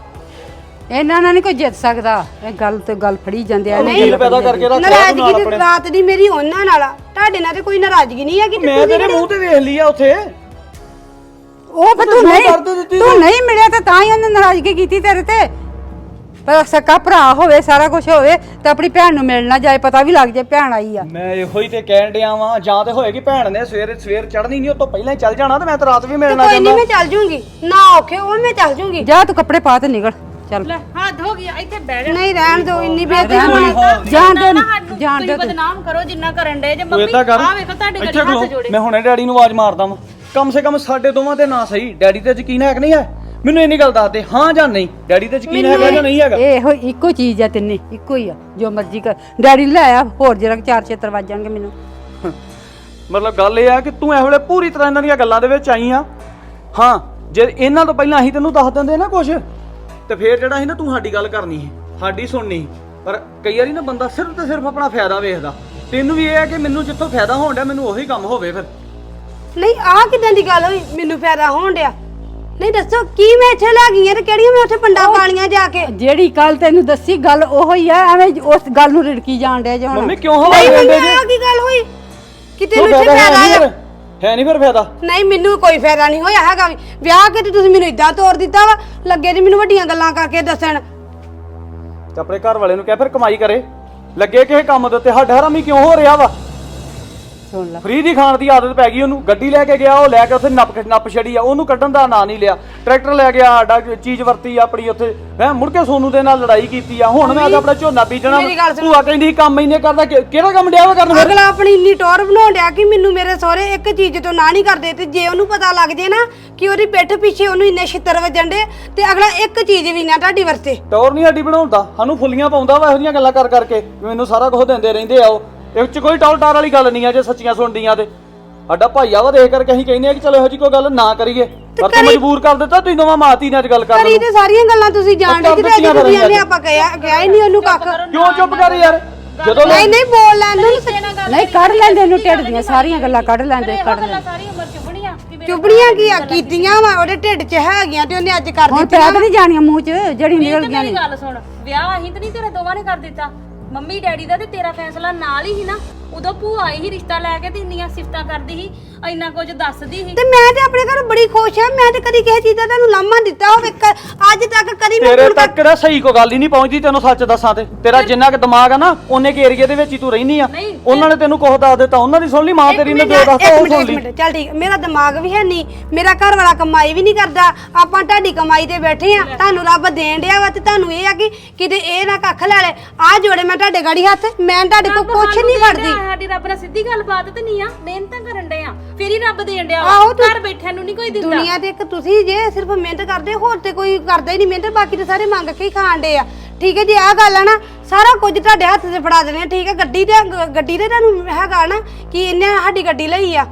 ਇਹਨਾਂ ਨਾਲ ਨਹੀਂ ਕੋਈ ਜਿੱਤ ਸਕਦਾ। ਇਹ ਗੱਲ ਤੇ ਗੱਲ ਫੜੀ ਜਾਂਦੇ ਆ। ਨਹੀਂ ਪੈਦਾ ਕਰਕੇ ਰੱਖ ਨਾਰਾਜ਼ਗੀ ਦੀ ਰਾਤ ਦੀ ਮੇਰੀ ਉਹਨਾਂ ਨਾਲ ਆ, ਤੁਹਾਡੇ ਨਾਲ ਤੇ ਕੋਈ ਨਾਰਾਜ਼ਗੀ ਨਹੀਂ ਹੈਗੀ। ਮੈਂ ਤੇਰੇ ਮੂੰਹ ਤੇ ਵੇਖ ਲਈ ਆ ਉੱਥੇ। ਉਹ ਪਰ ਤੂੰ ਨਹੀਂ ਮਿਲਿਆ ਤਾਂ ਹੀ ਉਹਨੇ ਨਾਰਾਜ਼ਗੀ ਕੀਤੀ ਤੇਰੇ ਤੇ। ਪਰ ਸਕਾ ਭਰਾ ਹੋਵੇ, ਸਾਰਾ ਕੁਝ ਹੋਵੇ ਤੇ ਆਪਣੀ ਭੈਣ ਨੂੰ ਮਿਲਣਾ ਜਾਏ, ਪਤਾ ਵੀ ਲੱਗ ਜਾਏ ਭੈਣ ਆਈ ਆ। ਮੈਂ ਇਹੋ ਹੀ ਤੇ ਕਹਿਣ ਡਿਆ ਵਾਂ, ਜਾਂ ਤੇ ਹੋਏਗੀ ਭੈਣ ਨੇ ਸਵੇਰ ਚੜ੍ਹਨੀ ਨਹੀਂ, ਉਹ ਤੋਂ ਪਹਿਲਾਂ ਹੀ ਚੱਲ ਜਾਣਾ, ਤੇ ਮੈਂ ਤਾਂ ਰਾਤ ਵੀ ਮਿਲਣਾ ਕੋਈ ਜਾਂਦਾ। ਨਹੀਂ, ਮੈਂ ਚੱਲ ਜੂੰਗੀ, ਨਾ ਔਖੇ ਉਹ ਮੈਂ ਚੱਲ ਜੂੰਗੀ। ਜਾ ਤੂੰ ਕੱਪੜੇ ਪਾ ਤੇ ਨਿਕਲ ਚੱਲ। ਲੈ ਹੱਦ ਹੋ ਗਿਆ, ਇੱਥੇ ਬਹਿ ਜਾ। ਨਹੀਂ ਰਹਿਣ ਦਿਓ, ਇੰਨੀ ਬੇਇੱਜ਼ਤੀ ਜਾਣ ਦੇ ਬਦਨਾਮ ਕਰੋ ਜਿੰਨਾ ਕਰਨ ਡੇ ਜੇ। ਤੂੰ ਮੰਮੀ ਏਦਾਂ ਕਰ, ਆ ਵੇਖੋ ਤੁਹਾਡੇ ਇੱਥੇ ਗੱਡੀ ਹੱਥ ਖਲੋ, ਜੋੜੇ। ਮੈਂ ਹੁਣੇ ਡੈਡੀ ਨੂੰ ਆਵਾਜ਼ ਮਾਰਦਾ ਵਾਂ। ਕਮ ਸੇ ਕਮ ਸਾਡੇ ਦੋਵਾਂ ਤੇ ਨਾ ਸਹੀ, ਡੈਡੀ ਤੇ ਯਕੀਨ ਹੈ ਕਿ ਨਹੀਂ ਹੈ? ਮੈਨੂੰ ਇੰਨੀ ਗੱਲ ਦੱਸ ਦੇ, ਹਾਂ ਜਾਂ ਨਹੀਂ। ਡੈਡੀ ਤੇ ਯਕੀਨ ਹੈਗਾ ਜਾਂ ਨਹੀਂ ਹੈਗਾ? ਇਹੋ ਇੱਕੋ ਚੀਜ਼ ਆ, ਤਿੰਨੇ ਇੱਕੋ ਹੀ ਆ, ਜੋ ਮਰਜ਼ੀ ਕਰ। ਡੈਡੀ ਲੈ ਆ, ਹੋਰ ਜਰਾ 4-6 ਵੱਜ ਜਾਣਗੇ ਮੈਨੂੰ। ਮਤਲਬ ਗੱਲ ਇਹ ਆ ਕਿ ਤੂੰ ਇਹ ਵੇਲੇ ਪੂਰੀ ਤਰ੍ਹਾਂ ਇਹਨਾਂ ਦੀਆਂ ਗੱਲਾਂ ਦੇ ਵਿੱਚ ਆਈ ਆ। ਹਾਂ, ਜੇ ਇਹਨਾਂ ਤੋਂ ਪਹਿਲਾਂ ਅਸੀਂ ਤੈਨੂੰ ਦੱਸ ਦਿੰਦੇ ਨਾ ਕੁਝ, ਤੇ ਫੇਰ ਜਿਹੜਾ ਸੀ ਨਾ, ਤੂੰ ਸਾਡੀ ਗੱਲ ਕਰਨੀ ਸੀ, ਸਾਡੀ ਸੁਣਨੀ ਸੀ। ਪਰ ਕਈ ਵਾਰੀ ਨਾ ਬੰਦਾ ਸਿਰਫ ਤੇ ਸਿਰਫ ਆਪਣਾ ਫਾਇਦਾ ਵੇਖਦਾ। ਤੈਨੂੰ ਵੀ ਇਹ ਹੈ ਕਿ ਮੈਨੂੰ ਜਿੱਥੋਂ ਫਾਇਦਾ ਹੋਣ ਡਿਆ ਮੈਨੂੰ ਉਹੀ ਕੰਮ ਹੋਵੇ ਫਿਰ। ਨਹੀਂ ਆਹ ਕਿਦਾਂ ਦੀ ਗੱਲ ਹੋਈ ਮੈਨੂੰ ਫਾਇਦਾ ਹੋਣ ਡਿਆ? ਨਹੀਂ ਦੱਸੋ ਕੀ ਮੈਂ ਇੱਥੇ ਲੈ ਗਈ ਆ ਤੇ ਕਿਹੜੀਆਂ ਮੈਂ ਉੱਥੇ ਪੰਡਾ ਪਾਲੀਆਂ ਜਾ ਕੇ? ਜਿਹੜੀ ਕੱਲ ਤੈਨੂੰ ਦੱਸੀ ਗੱਲ ਉਹੋ ਹੀ ਆ, ਐਵੇਂ ਉਸ ਗੱਲ ਨੂੰ ਰਿੜਕੀ ਜਾਣ ਡਿਆ ਹੁਣ। ਮੰਮੀ ਕਿਉਂ ਹਵਾ ਨਹੀਂ ਲੈਂਦੇ ਮੈਨੂੰ ਆਹ ਕੀ ਗੱਲ ਹੋਈ ਕਿ ਤੈਨੂੰ ਇੱਥੇ ਫਾਇਦਾ ਆ? ਹੈ ਨਹੀਂ ਫਿਰ ਫਾਇਦਾ? ਨਹੀਂ ਮੈਨੂੰ ਕੋਈ ਫਾਇਦਾ ਨਹੀਂ ਹੋਇਆ ਹੈਗਾ ਵੀ। ਵਿਆਹ ਕੇ ਤੇ ਤੁਸੀਂ ਮੈਨੂੰ ਇਦਾਂ ਤੋੜ ਦਿੱਤਾ ਵਾ, ਲੱਗੇ ਜੀ ਮੈਨੂੰ ਵੱਡੀਆਂ ਗੱਲਾਂ ਕਰਕੇ ਦੱਸਣ। ਤੇ ਆਪਣੇ ਘਰ ਵਾਲੇ ਨੂੰ ਕਹਿ ਫਿਰ ਕਮਾਈ ਕਰੇ, ਲੱਗੇ ਕਿਸੇ ਕੰਮ ਦੇ ਉੱਤੇ। ਸਾਡਾ ਹਰਾਮੀ ਕਿਉਂ ਹੋ ਰਿਹਾ ਵਾ? ਸੁਣ ਲੈ, ਫਰੀ ਦੀ ਖਾਣ ਦੀ ਆਦਤ ਪੈ ਗਈ ਉਹਨੂੰ। ਗੱਡੀ ਲੈ ਕੇ ਗਿਆ, ਉਹ ਲੈ ਕੇ ਉੱਥੇ ਨੱਪ ਛੜੀ ਆ, ਉਹਨੂੰ ਕੱਢਣ ਦਾ ਨਾਂ ਨਹੀਂ ਲਿਆ। ਟਰੈਕਟਰ ਲੈ ਗਿਆ, ਸਾਡਾ ਚੀਜ਼ ਵਰਤੀ ਆਪਣੀ ਉੱਥੇ। ਮੈਂ ਮੁੜ ਕੇ ਸੋਨੂ ਦੇ ਨਾਲ ਲੜਾਈ ਕੀਤੀ ਆ। ਹੁਣ ਮੈਂ ਆਪਣਾ ਝੋਨਾ ਬੀਜਣਾ। ਭੂਆ ਕਹਿੰਦੀ ਕੰਮ ਇੰਨੇ ਕਰਦਾ, ਕਿਹੜਾ ਕੰਮ ਡਿਆ ਵਾ ਕਰਨ ਫਿਰ? ਅਗਲਾ ਆਪਣੀ ਇੰਨੀ ਟੌਰ ਬਣਾਉਣ ਡਿਆ ਕਿ ਮੈਨੂੰ ਮੇਰੇ ਸਹੁਰੇ ਇੱਕ ਚੀਜ਼ ਤੋਂ ਨਾ ਨਹੀਂ ਕਰਦੇ, ਤੇ ਜੇ ਉਹਨੂੰ ਪਤਾ ਲੱਗ ਜੇ ਨਾ ਕਿ ਉਹਦੀ ਪਿੱਠ ਪਿੱਛੇ ਉਹਨੂੰ ਇੰਨੇ ਛਿੱਤਰ ਵੱਜਣ ਡੇ, ਤੇ ਅਗਲਾ ਇੱਕ ਚੀਜ਼ ਵੀ ਨਾ ਤੁਹਾਡੀ ਵਰਤੇ। ਟੌਰ ਨਹੀਂ ਸਾਡੀ ਬਣਾਉਂਦਾ, ਸਾਨੂੰ ਫੁੱਲੀਆਂ ਪਾਉਂਦਾ ਵਾ ਇਹੋ ਜਿਹੀਆਂ ਗੱਲਾਂ ਕਰ ਕਰਕੇ। ਮੈਨੂੰ ਸਾਰਾ ਕੁਝ ਦਿੰਦੇ ਰਹਿੰਦੇ ਆ ਉਹ। ਇਹ ਚ ਕੋਈ ਟੌਰ ਟਾਰ ਵਾਲੀ ਗੱਲ ਨਹੀਂ ਆ ਜੇ ਸੱਚੀਆਂ ਸੁਣਦੀਆਂ ਤੇ। ਸਾਡਾ ਭਾਈਆ ਵਾ, ਦੇਖ ਕਰਕੇ ਅਸੀਂ ਕਹਿੰਦੇ ਆ ਕਿ ਚਲੋ ਇਹੋ ਜਿਹੀ ਕੋਈ ਗੱਲ ਨਾ ਕਰੀਏ। ਪਰ ਤੂੰ ਮਜਬੂਰ ਕਰ ਦਿੱਤਾ, ਤੁਸੀਂ ਦੋਵਾਂ ਮਾਤੀ ਨੇ ਅੱਜ ਗੱਲ ਕਰ ਕਰੀ ਤੇ ਸਾਰੀਆਂ ਗੱਲਾਂ ਤੁਸੀਂ ਜਾਣ ਡੇ ਕਿ ਤੁਸੀਂ ਆਪਾਂ ਕਿਹਾ ਹੀ ਨਹੀਂ ਉਹਨੂੰ ਕੱਖ। ਕਿਉਂ ਚੁੱਪ ਕਰ ਯਾਰ? ਜਦੋਂ ਨਹੀਂ ਬੋਲ ਲੈਣ ਨੂੰ ਨਹੀਂ ਕੱਢ ਲੈਂਦੇ ਇਹਨੂੰ ਢਿੱਡ ਦੀਆਂ ਸਾਰੀਆਂ ਗੱਲਾਂ ਕੱਢ ਲੈਂਦੇ, ਕੱਢ ਲੈਂਦੇ। ਸਾਰੀ ਉਮਰ ਚੁਬਣੀਆਂ ਚੁਬੜੀਆਂ ਕੀ ਆ ਕੀਤੀਆਂ ਵਾ, ਉਹਦੇ ਢਿੱਡ 'ਚ ਹੈਗੀਆਂ ਤੇ ਉਹਨੇ ਅੱਜ ਕਰ ਹੁਣ ਦਿੱਤੀਆਂ। ਪੈਦ ਨਹੀਂ ਜਾਣੀਆਂ ਮੂੰਹ 'ਚ ਜਿਹੜੀ ਨਿਕਲ ਗਈਆਂ ਮੇਰੀ ਨੇ। ਗੱਲ ਸੁਣ, ਵਿਆਹ ਅਸੀਂ ਤੇ ਨਹੀਂ ਤੇਰੇ ਦੋਵਾਂ ਨੇ ਕਰ ਦਿੱਤਾ, ਮੰਮੀ ਡੈਡੀ ਦਾ ਤੇ ਤੇਰਾ ਫੈਸਲਾ ਨਾਲ ਹੀ ਨਾ। ਉਦੋਂ ਭੂਆ ਆਈ ਹੀ ਰਿਸ਼ਤਾ ਲੈ ਕੇ ਤੇ ਇੰਨੀਆਂ ਸਿਫਤਾਂ ਕਰਦੀ ਸੀ, ਇੰਨਾ ਕੁਝ ਦੱਸਦੀ ਸੀ। ਤੇ ਮੈਂ ਤੇ ਆਪਣੇ ਘਰ ਬੜੀ ਖੁਸ਼ ਆ। ਮੈਂ ਤੇ ਕਦੀ ਕਿਸੇ ਚੀਜ਼ ਦਾ ਤੁਹਾਨੂੰ ਲਾਮਾ ਦਿੱਤਾ ਹੋਵੇ ਅੱਜ ਤੱਕ ਕਦੀ ਮੈਂ ਤੇਰੇ ਤੱਕ ਦਾ ਸਹੀ ਕੋਈ ਗੱਲ ਹੀ ਨਹੀਂ ਪਹੁੰਚਦੀ। ਤੈਨੂੰ ਸੱਚ ਦੱਸਾਂ ਤੇ ਤੇਰਾ ਜਿੰਨਾ ਕੁ ਦਿਮਾਗ ਆ ਨਾ, ਉਹਨੇ ਕੇ ਏਰੀਏ ਦੇ ਵਿੱਚ ਹੀ ਤੂੰ ਰਹਿਨੀ ਆ। ਉਹਨਾਂ ਨੇ ਤੈਨੂੰ ਕੁਝ ਦੱਸ ਦਿੱਤਾ, ਉਹਨਾਂ ਦੀ ਸੁਣ ਲਈ, ਮਾਂ ਤੇਰੀ ਨੇ ਜੋ ਦੱਸਤਾ ਉਹ ਸੁਣ ਲਈ। ਚੱਲ ਠੀਕ, ਮੇਰਾ ਦਿਮਾਗ ਵੀ ਹੈ ਨਹੀਂ, ਮੇਰਾ ਘਰ ਵਾਲਾ ਕਮਾਈ ਵੀ ਨਹੀਂ ਕਰਦਾ। ਆਪਾਂ ਤੁਹਾਡੀ ਕਮਾਈ ਤੇ ਬੈਠੇ ਆ, ਤੁਹਾਨੂੰ ਰੱਬ ਦੇਣ ਡਿਆ ਵਾ, ਤੇ ਤੁਹਾਨੂੰ ਇਹ ਆ ਕਿ ਕਿਤੇ ਇਹ ਨਾ ਕੱਖ ਲੈ ਲੈ। ਆ ਜੋੜੇ ਮੈਂ ਤੁਹਾਡੇ ਗਾੜੀ ਹੱਥ, ਮੈਂ ਤੁਹਾਡੇ ਕੋਲ ਕੁਛ ਨਹੀਂ ਫੜਦੀ। ਸਾਡੀ ਰੱਬ ਨਾਲ ਸਿੱਧੀ ਗੱਲਬਾਤ ਤੇ ਨਹੀਂ ਆ, ਮਿਹਨਤਾਂ ਕਰਨ ਡੇ ਆ, ਫੇਰ ਹੀ ਰੱਬ ਦੇਣ ਡਿਆ ਵਾ। ਆਹੋ ਘਰ ਬੈਠਿਆਂ ਨੂੰ ਨਹੀਂ ਕੋਈ ਦਿੰਦਾ। ਦੁਨੀਆ ਤੇ ਇੱਕ ਤੁਸੀਂ ਜੇ ਸਿਰਫ ਮਿਹਨਤ ਕਰਦੇ, ਹੋਰ ਤੇ ਕੋਈ ਕਰਦਾ ਹੀ ਨਹੀਂ ਮਿਹਨਤ। ਬਾਕੀ ਤੇ ਸਾਰੇ ਮੰਗ ਕੇ ਹੀ ਖਾਣ ਡੇ ਆ। ਠੀਕ ਹੈ ਜੀ, ਆਹ ਗੱਲ ਆ ਨਾ, ਸਾਰਾ ਕੁਝ ਤੁਹਾਡੇ ਹੱਥ 'ਚ ਫੜਾ ਦੇਣੇ। ਠੀਕ ਹੈ, ਗੱਡੀ ਤੇ ਤੁਹਾਨੂੰ ਹੈਗਾ ਨਾ ਕਿ ਇਹਨੇ ਸਾਡੀ ਗੱਡੀ ਲਈ ਆ।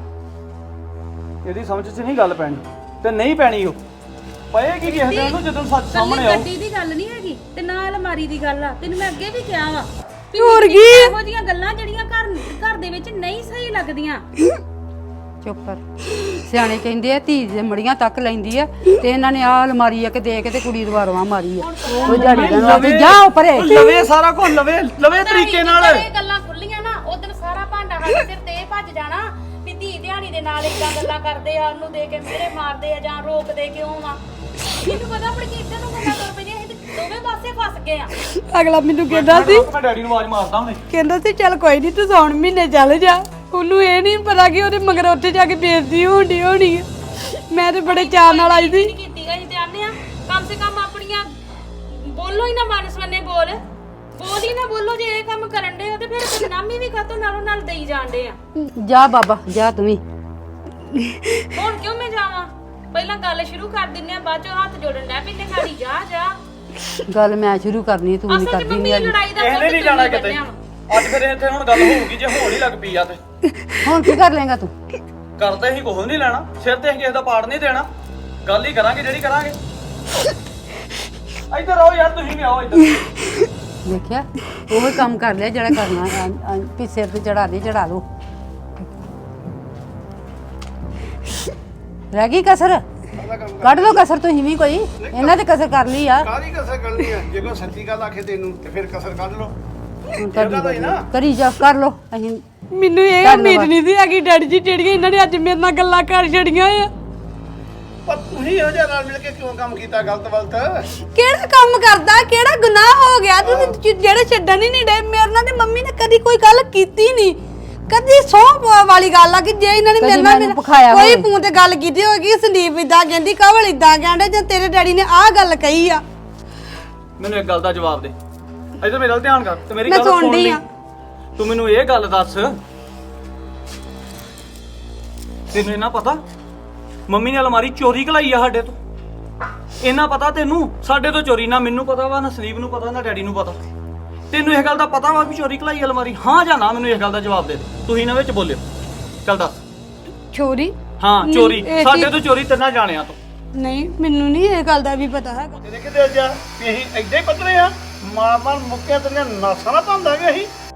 ਇਹਦੀ ਸਮਝ 'ਚ ਨਹੀਂ ਗੱਲ ਪੈਣੀ ਤੇ ਨਹੀਂ ਪੈਣੀ। ਉਹ ਪਏਗੀ ਕਿਸੇ ਦਿਨ ਨੂੰ ਜਦੋਂ ਸੱਚ ਸਾਹਮਣੇ ਆਊ। ਗੱਡੀ ਦੀ ਗੱਲ ਨਹੀਂ ਹੈਗੀ ਤੇ ਨਾ ਅਲਮਾਰੀ ਦੀ ਗੱਲ ਆ। ਤੈਨੂੰ ਮੈਂ ਅੱਗੇ ਵੀ ਕਿਹਾ ਵਾ, ਹੋਰ ਕੀ ਇਹੋ ਜਿਹੀਆਂ ਗੱਲਾਂ ਜਿਹੜੀਆਂ ਘਰ ਦੇ ਵਿੱਚ ਨਹੀਂ ਸਹੀ ਲੱਗਦੀਆਂ। ਚੁੱਪ ਕਰ। ਸਿਆਣੇ ਕਹਿੰਦੇ ਆ ਧੀ ਦੇ ਮੜੀਆਂ ਤੱਕ ਲੈਂਦੀ ਆ, ਤੇ ਇਹਨਾਂ ਨੇ ਆ ਅਲਮਾਰੀ ਆ ਕੇ ਦੇ ਕੇ ਤੇ ਕੁੜੀ ਦਵਾਰਵਾ ਮਾਰੀ ਆ। ਉਹ ਜਾੜੀ ਦਾ ਜਾ ਪਰੇ। ਲਵੇ ਸਾਰਾ ਕੁਝ ਲਵੇ ਤਰੀਕੇ ਨਾਲ। ਇਹ ਗੱਲਾਂ ਖੁੱਲੀਆਂ ਨਾ, ਉਦੋਂ ਸਾਰਾ ਭਾਂਡਾ ਸਾਡੇ ਸਿਰ ਤੇ ਭੱਜ ਜਾਣਾ ਵੀ ਧੀ ਦਿਹਾੜੀ ਦੇ ਨਾਲ ਇਦਾਂ ਗੱਲਾਂ ਕਰਦੇ ਆ, ਉਹਨੂੰ ਦੇ ਕੇ ਮੇਰੇ ਮਾਰਦੇ ਆ ਜਾਂ ਰੋਕਦੇ ਕਿਉਂ ਆ। ਮੈਨੂੰ ਪਤਾ ਆਪਣੀ ਕਿ ਇੱਧਰ ਨੂੰ ਗੱਲਾਂ ਕਰ ਪਈਆਂ, ਅਸੀਂ ਤੇ ਦੋਵੇਂ ਪਾਸੇ ਫਸ ਗਏ ਆ। ਅਗਲਾ ਮੈਨੂੰ ਕਹਿੰਦਾ ਸੀ ਮੈਂ ਡੈਡੀ ਨੂੰ ਆਵਾਜ਼ ਮਾਰਦਾ ਹੁਣੇ। ਕਹਿੰਦਾ ਸੀ ਚੱਲ ਕੋਈ ਨਹੀਂ ਤੂੰ ਸੌਣ ਮਹੀਨੇ ਚੱਲ ਜਾ। ਉਹਨੂੰ ਇਹ ਨਹੀਂ ਪਤਾ ਕਿ ਉਹਦੇ ਮਗਰ ਉੱਥੇ ਜਾ ਕੇ ਬੇਇੱਜ਼ਤੀ ਹੋਣੀ ਆ। ਮੈਂ ਤੇ ਬੜੇ ਚਾਅ ਨਾਲ ਆਈ ਸੀ। ਕੀਤੀ ਗਈ ਤੇ ਆਨੇ ਆ ਕਮ ਸੇ ਕਮ ਆਪਣੀਆਂ ਬੋਲੋ ਹੀ ਨਾ, ਮਾਨਸਵੰਨੇ ਬੋਲ ਹੀ ਨਾ ਬੋਲੋ। ਜੇ ਇਹ ਕੰਮ ਕਰਨ ਦੇ ਹੋ ਤੇ ਫਿਰ ਬਦਨਾਮੀ ਵੀ ਕਾਤੋਂ ਨਾਲੋਂ ਨਾਲ ਦੇਈ ਜਾਂਦੇ ਆ। ਜਾ ਬਾਬਾ ਜਾ ਤੂੰ ਵੀ। ਹੁਣ ਕਿਉਂ ਮੈਂ ਜਾਵਾਂ? ਪਹਿਲਾਂ ਗੱਲ ਸ਼ੁਰੂ ਕਰ ਦਿੰਨੇ ਆ, ਬਾਅਦ ਚੋਂ ਹੱਥ ਜੋੜਨ ਲੱਗ ਪੈਂਦੇ ਗਾੜੀ। ਜਾ ਗੱਲ ਮੈਂ ਸ਼ੁਰੂ ਕਰਨੀ, ਤੂੰ ਨਹੀਂ ਅਸਲ 'ਚ ਕਰਦੀ ਮੰਮੀ ਨਹੀਂ। ਲੜਾਈ ਦਾ ਇਹਨੇ ਨਹੀਂ ਜਾਣਾ ਕਿਤੇ। ਅੱਜ ਫਿਰ ਇੱਥੇ ਹੁਣ ਗੱਲ ਹੋਊਗੀ, ਜੇ ਹੋਣ ਹੀ ਲੱਗ ਪਈ ਆ ਤੇ ਹੁਣ ਕੀ ਕਰ ਲੇਗਾ ਤੂੰ? ਕਰਦੇ ਹੀ ਕੁਝ ਨਹੀਂ ਲੈਣਾ, ਸਿਰ ਤੇ ਕਿਸੇ ਦਾ ਪਾੜ ਨਹੀਂ ਦੇਣਾ। ਗੱਲ ਹੀ ਕਰਾਂਗੇ ਜਿਹੜੀ ਕਰਾਂਗੇ। ਇੱਧਰ ਆਓ ਯਾਰ, ਤੁਸੀਂ ਵੀ ਆਓ ਇੱਧਰ। ਦੇਖਿਆ, ਉਹ ਕੰਮ ਕਰ ਲਿਆ ਜਿਹੜਾ ਕਰਨਾ। ਵੀ ਸਿਰ ਤੇ ਚੜਾ ਲਓ। ਰਹਿ ਗਈ ਕਸਰ, ਕੱਢ ਲਓ ਕਸਰ ਤੁਸੀਂ ਵੀ ਕੋਈ। ਇਹਨਾਂ ਤੇ ਕਸਰ ਕਰ ਲਈ ਆ। ਕਾਹਦੀ ਕਸਰ ਕਰਨੀ ਆ? ਜੇ ਕੋਈ ਸੱਚੀ ਗੱਲ ਆਖੇ ਤੈਨੂੰ ਤੇ ਫਿਰ ਕਸਰ ਕੱਢ ਲਓ। ਹੁਣ ਕਰੀ ਜਾ, ਕਰ ਲਓ। ਅਸੀਂ ਮੈਨੂੰ ਇਹ ਉਮੀਦ ਨਹੀਂ ਸੀ ਹੈਗੀ ਡੈਡੀ ਜੀ ਜਿਹੜੀਆਂ ਇਹਨਾਂ ਨੇ ਅੱਜ ਮੇਰੇ ਨਾਲ ਗੱਲਾਂ ਕਰ ਛੜੀਆਂ ਆ। ਪਰ ਤੁਸੀਂ ਇਹੋ ਜਿਹਾ ਨਾਲ ਮਿਲ ਕੇ ਕਿਉਂ ਕੰਮ ਕੀਤਾ ਗਲਤ? ਕਿਹੜਾ ਕੰਮ ਕਰਦਾ, ਕਿਹੜਾ ਗੁਨਾਹ ਹੋ ਗਿਆ ਤੁਸੀਂ ਜਿਹੜੇ ਛੱਡਣ ਹੀ ਨਹੀਂ ਡੇ? ਮੇਰੇ ਨਾਲ ਤੇ ਮੰਮੀ ਨੇ ਕਦੀ ਕੋਈ ਗੱਲ ਕੀਤੀ ਨਹੀਂ, ਕਦੀ ਸੌਂ ਵਾਲੀ ਗੱਲ ਆ ਕਿ ਜੇ ਇਹਨਾਂ ਨੇ ਮੇਰੇ ਨਾਲ ਕੋਈ ਫੋਨ ਤੇ ਗੱਲ ਕੀਤੀ ਹੋਏਗੀ, ਸੰਦੀਪ ਇਦਾਂ ਕਹਿੰਦੀ, ਕਵਲ ਇਦਾਂ ਕਹਿੰਦੇ, ਜਾਂ ਤੇਰੇ ਡੈਡੀ ਨੇ ਆਹ ਗੱਲ ਕਹੀ ਆ। ਮੈਨੂੰ ਇੱਕ ਗੱਲ ਦਾ ਜਵਾਬ ਦੇ। ਇੱਧਰ ਮੇਰਾ ਧਿਆਨ ਕਰ ਤੇ ਮੇਰੀ ਮੈਂ ਗੱਲ ਸੁਣ ਸੁਣਦੀ ਲਈ। ਆ। ਤੂੰ ਮੈਨੂੰ ਇਹ ਗੱਲ ਦੱਸ, ਤੈਨੂੰ ਇਹਨਾਂ ਪਤਾ ਮੰਮੀ ਨੇ ਅਲਮਾਰੀ ਚੋਰੀ ਕਲਾਈ ਆ ਸਾਡੇ ਤੋਂ? ਇਹਨਾਂ ਪਤਾ ਤੈਨੂੰ ਸਾਡੇ ਤੋਂ ਚੋਰੀ? ਨਾ ਮੈਨੂੰ ਪਤਾ ਵਾ, ਨਾ ਸੰਦੀਪ ਨੂੰ ਪਤਾ, ਨਾ ਡੈਡੀ ਨੂੰ ਪਤਾ। ਤੈਨੂੰ ਇਹ ਗੱਲ ਦਾ ਪਤਾ ਵਾ ਵੀ ਚੋਰੀ ਕਲਾਈ ਅਲਮਾਰੀ? ਹਾਂ ਜਾਂ ਨਾ? ਮੈਨੂੰ ਇਸ ਗੱਲ ਦਾ ਜਵਾਬ ਦੇ ਦੇ। ਤੁਸੀਂ ਇਹਨਾਂ ਵਿੱਚ ਬੋਲਿਓ। ਚੱਲ ਦੱਸ। ਚੋਰੀ? ਹਾਂ ਚੋਰੀ, ਸਾਡੇ ਤੋਂ ਚੋਰੀ ਤਿੰਨਾਂ ਜਾਣਿਆਂ ਤੋਂ। ਨਹੀਂ, ਮੈਨੂੰ ਨਹੀਂ ਇਹ ਗੱਲ ਦਾ ਵੀ ਪਤਾ ਹੈਗਾ। ਇਹਦੇ ਕਿਤੇ ਜਾ ਵੀ ਅਸੀਂ ਏਦਾਂ ਹੀ ਪੱਤਰੇ ਆ। ਮਾਰ ਮਾਰ ਮੁੱਕਿਆ ਤੇਰੀਆਂ ਨਾਸਾਂ ਨਾ ਭੰਦਾ ਗਿਆ ਸੀ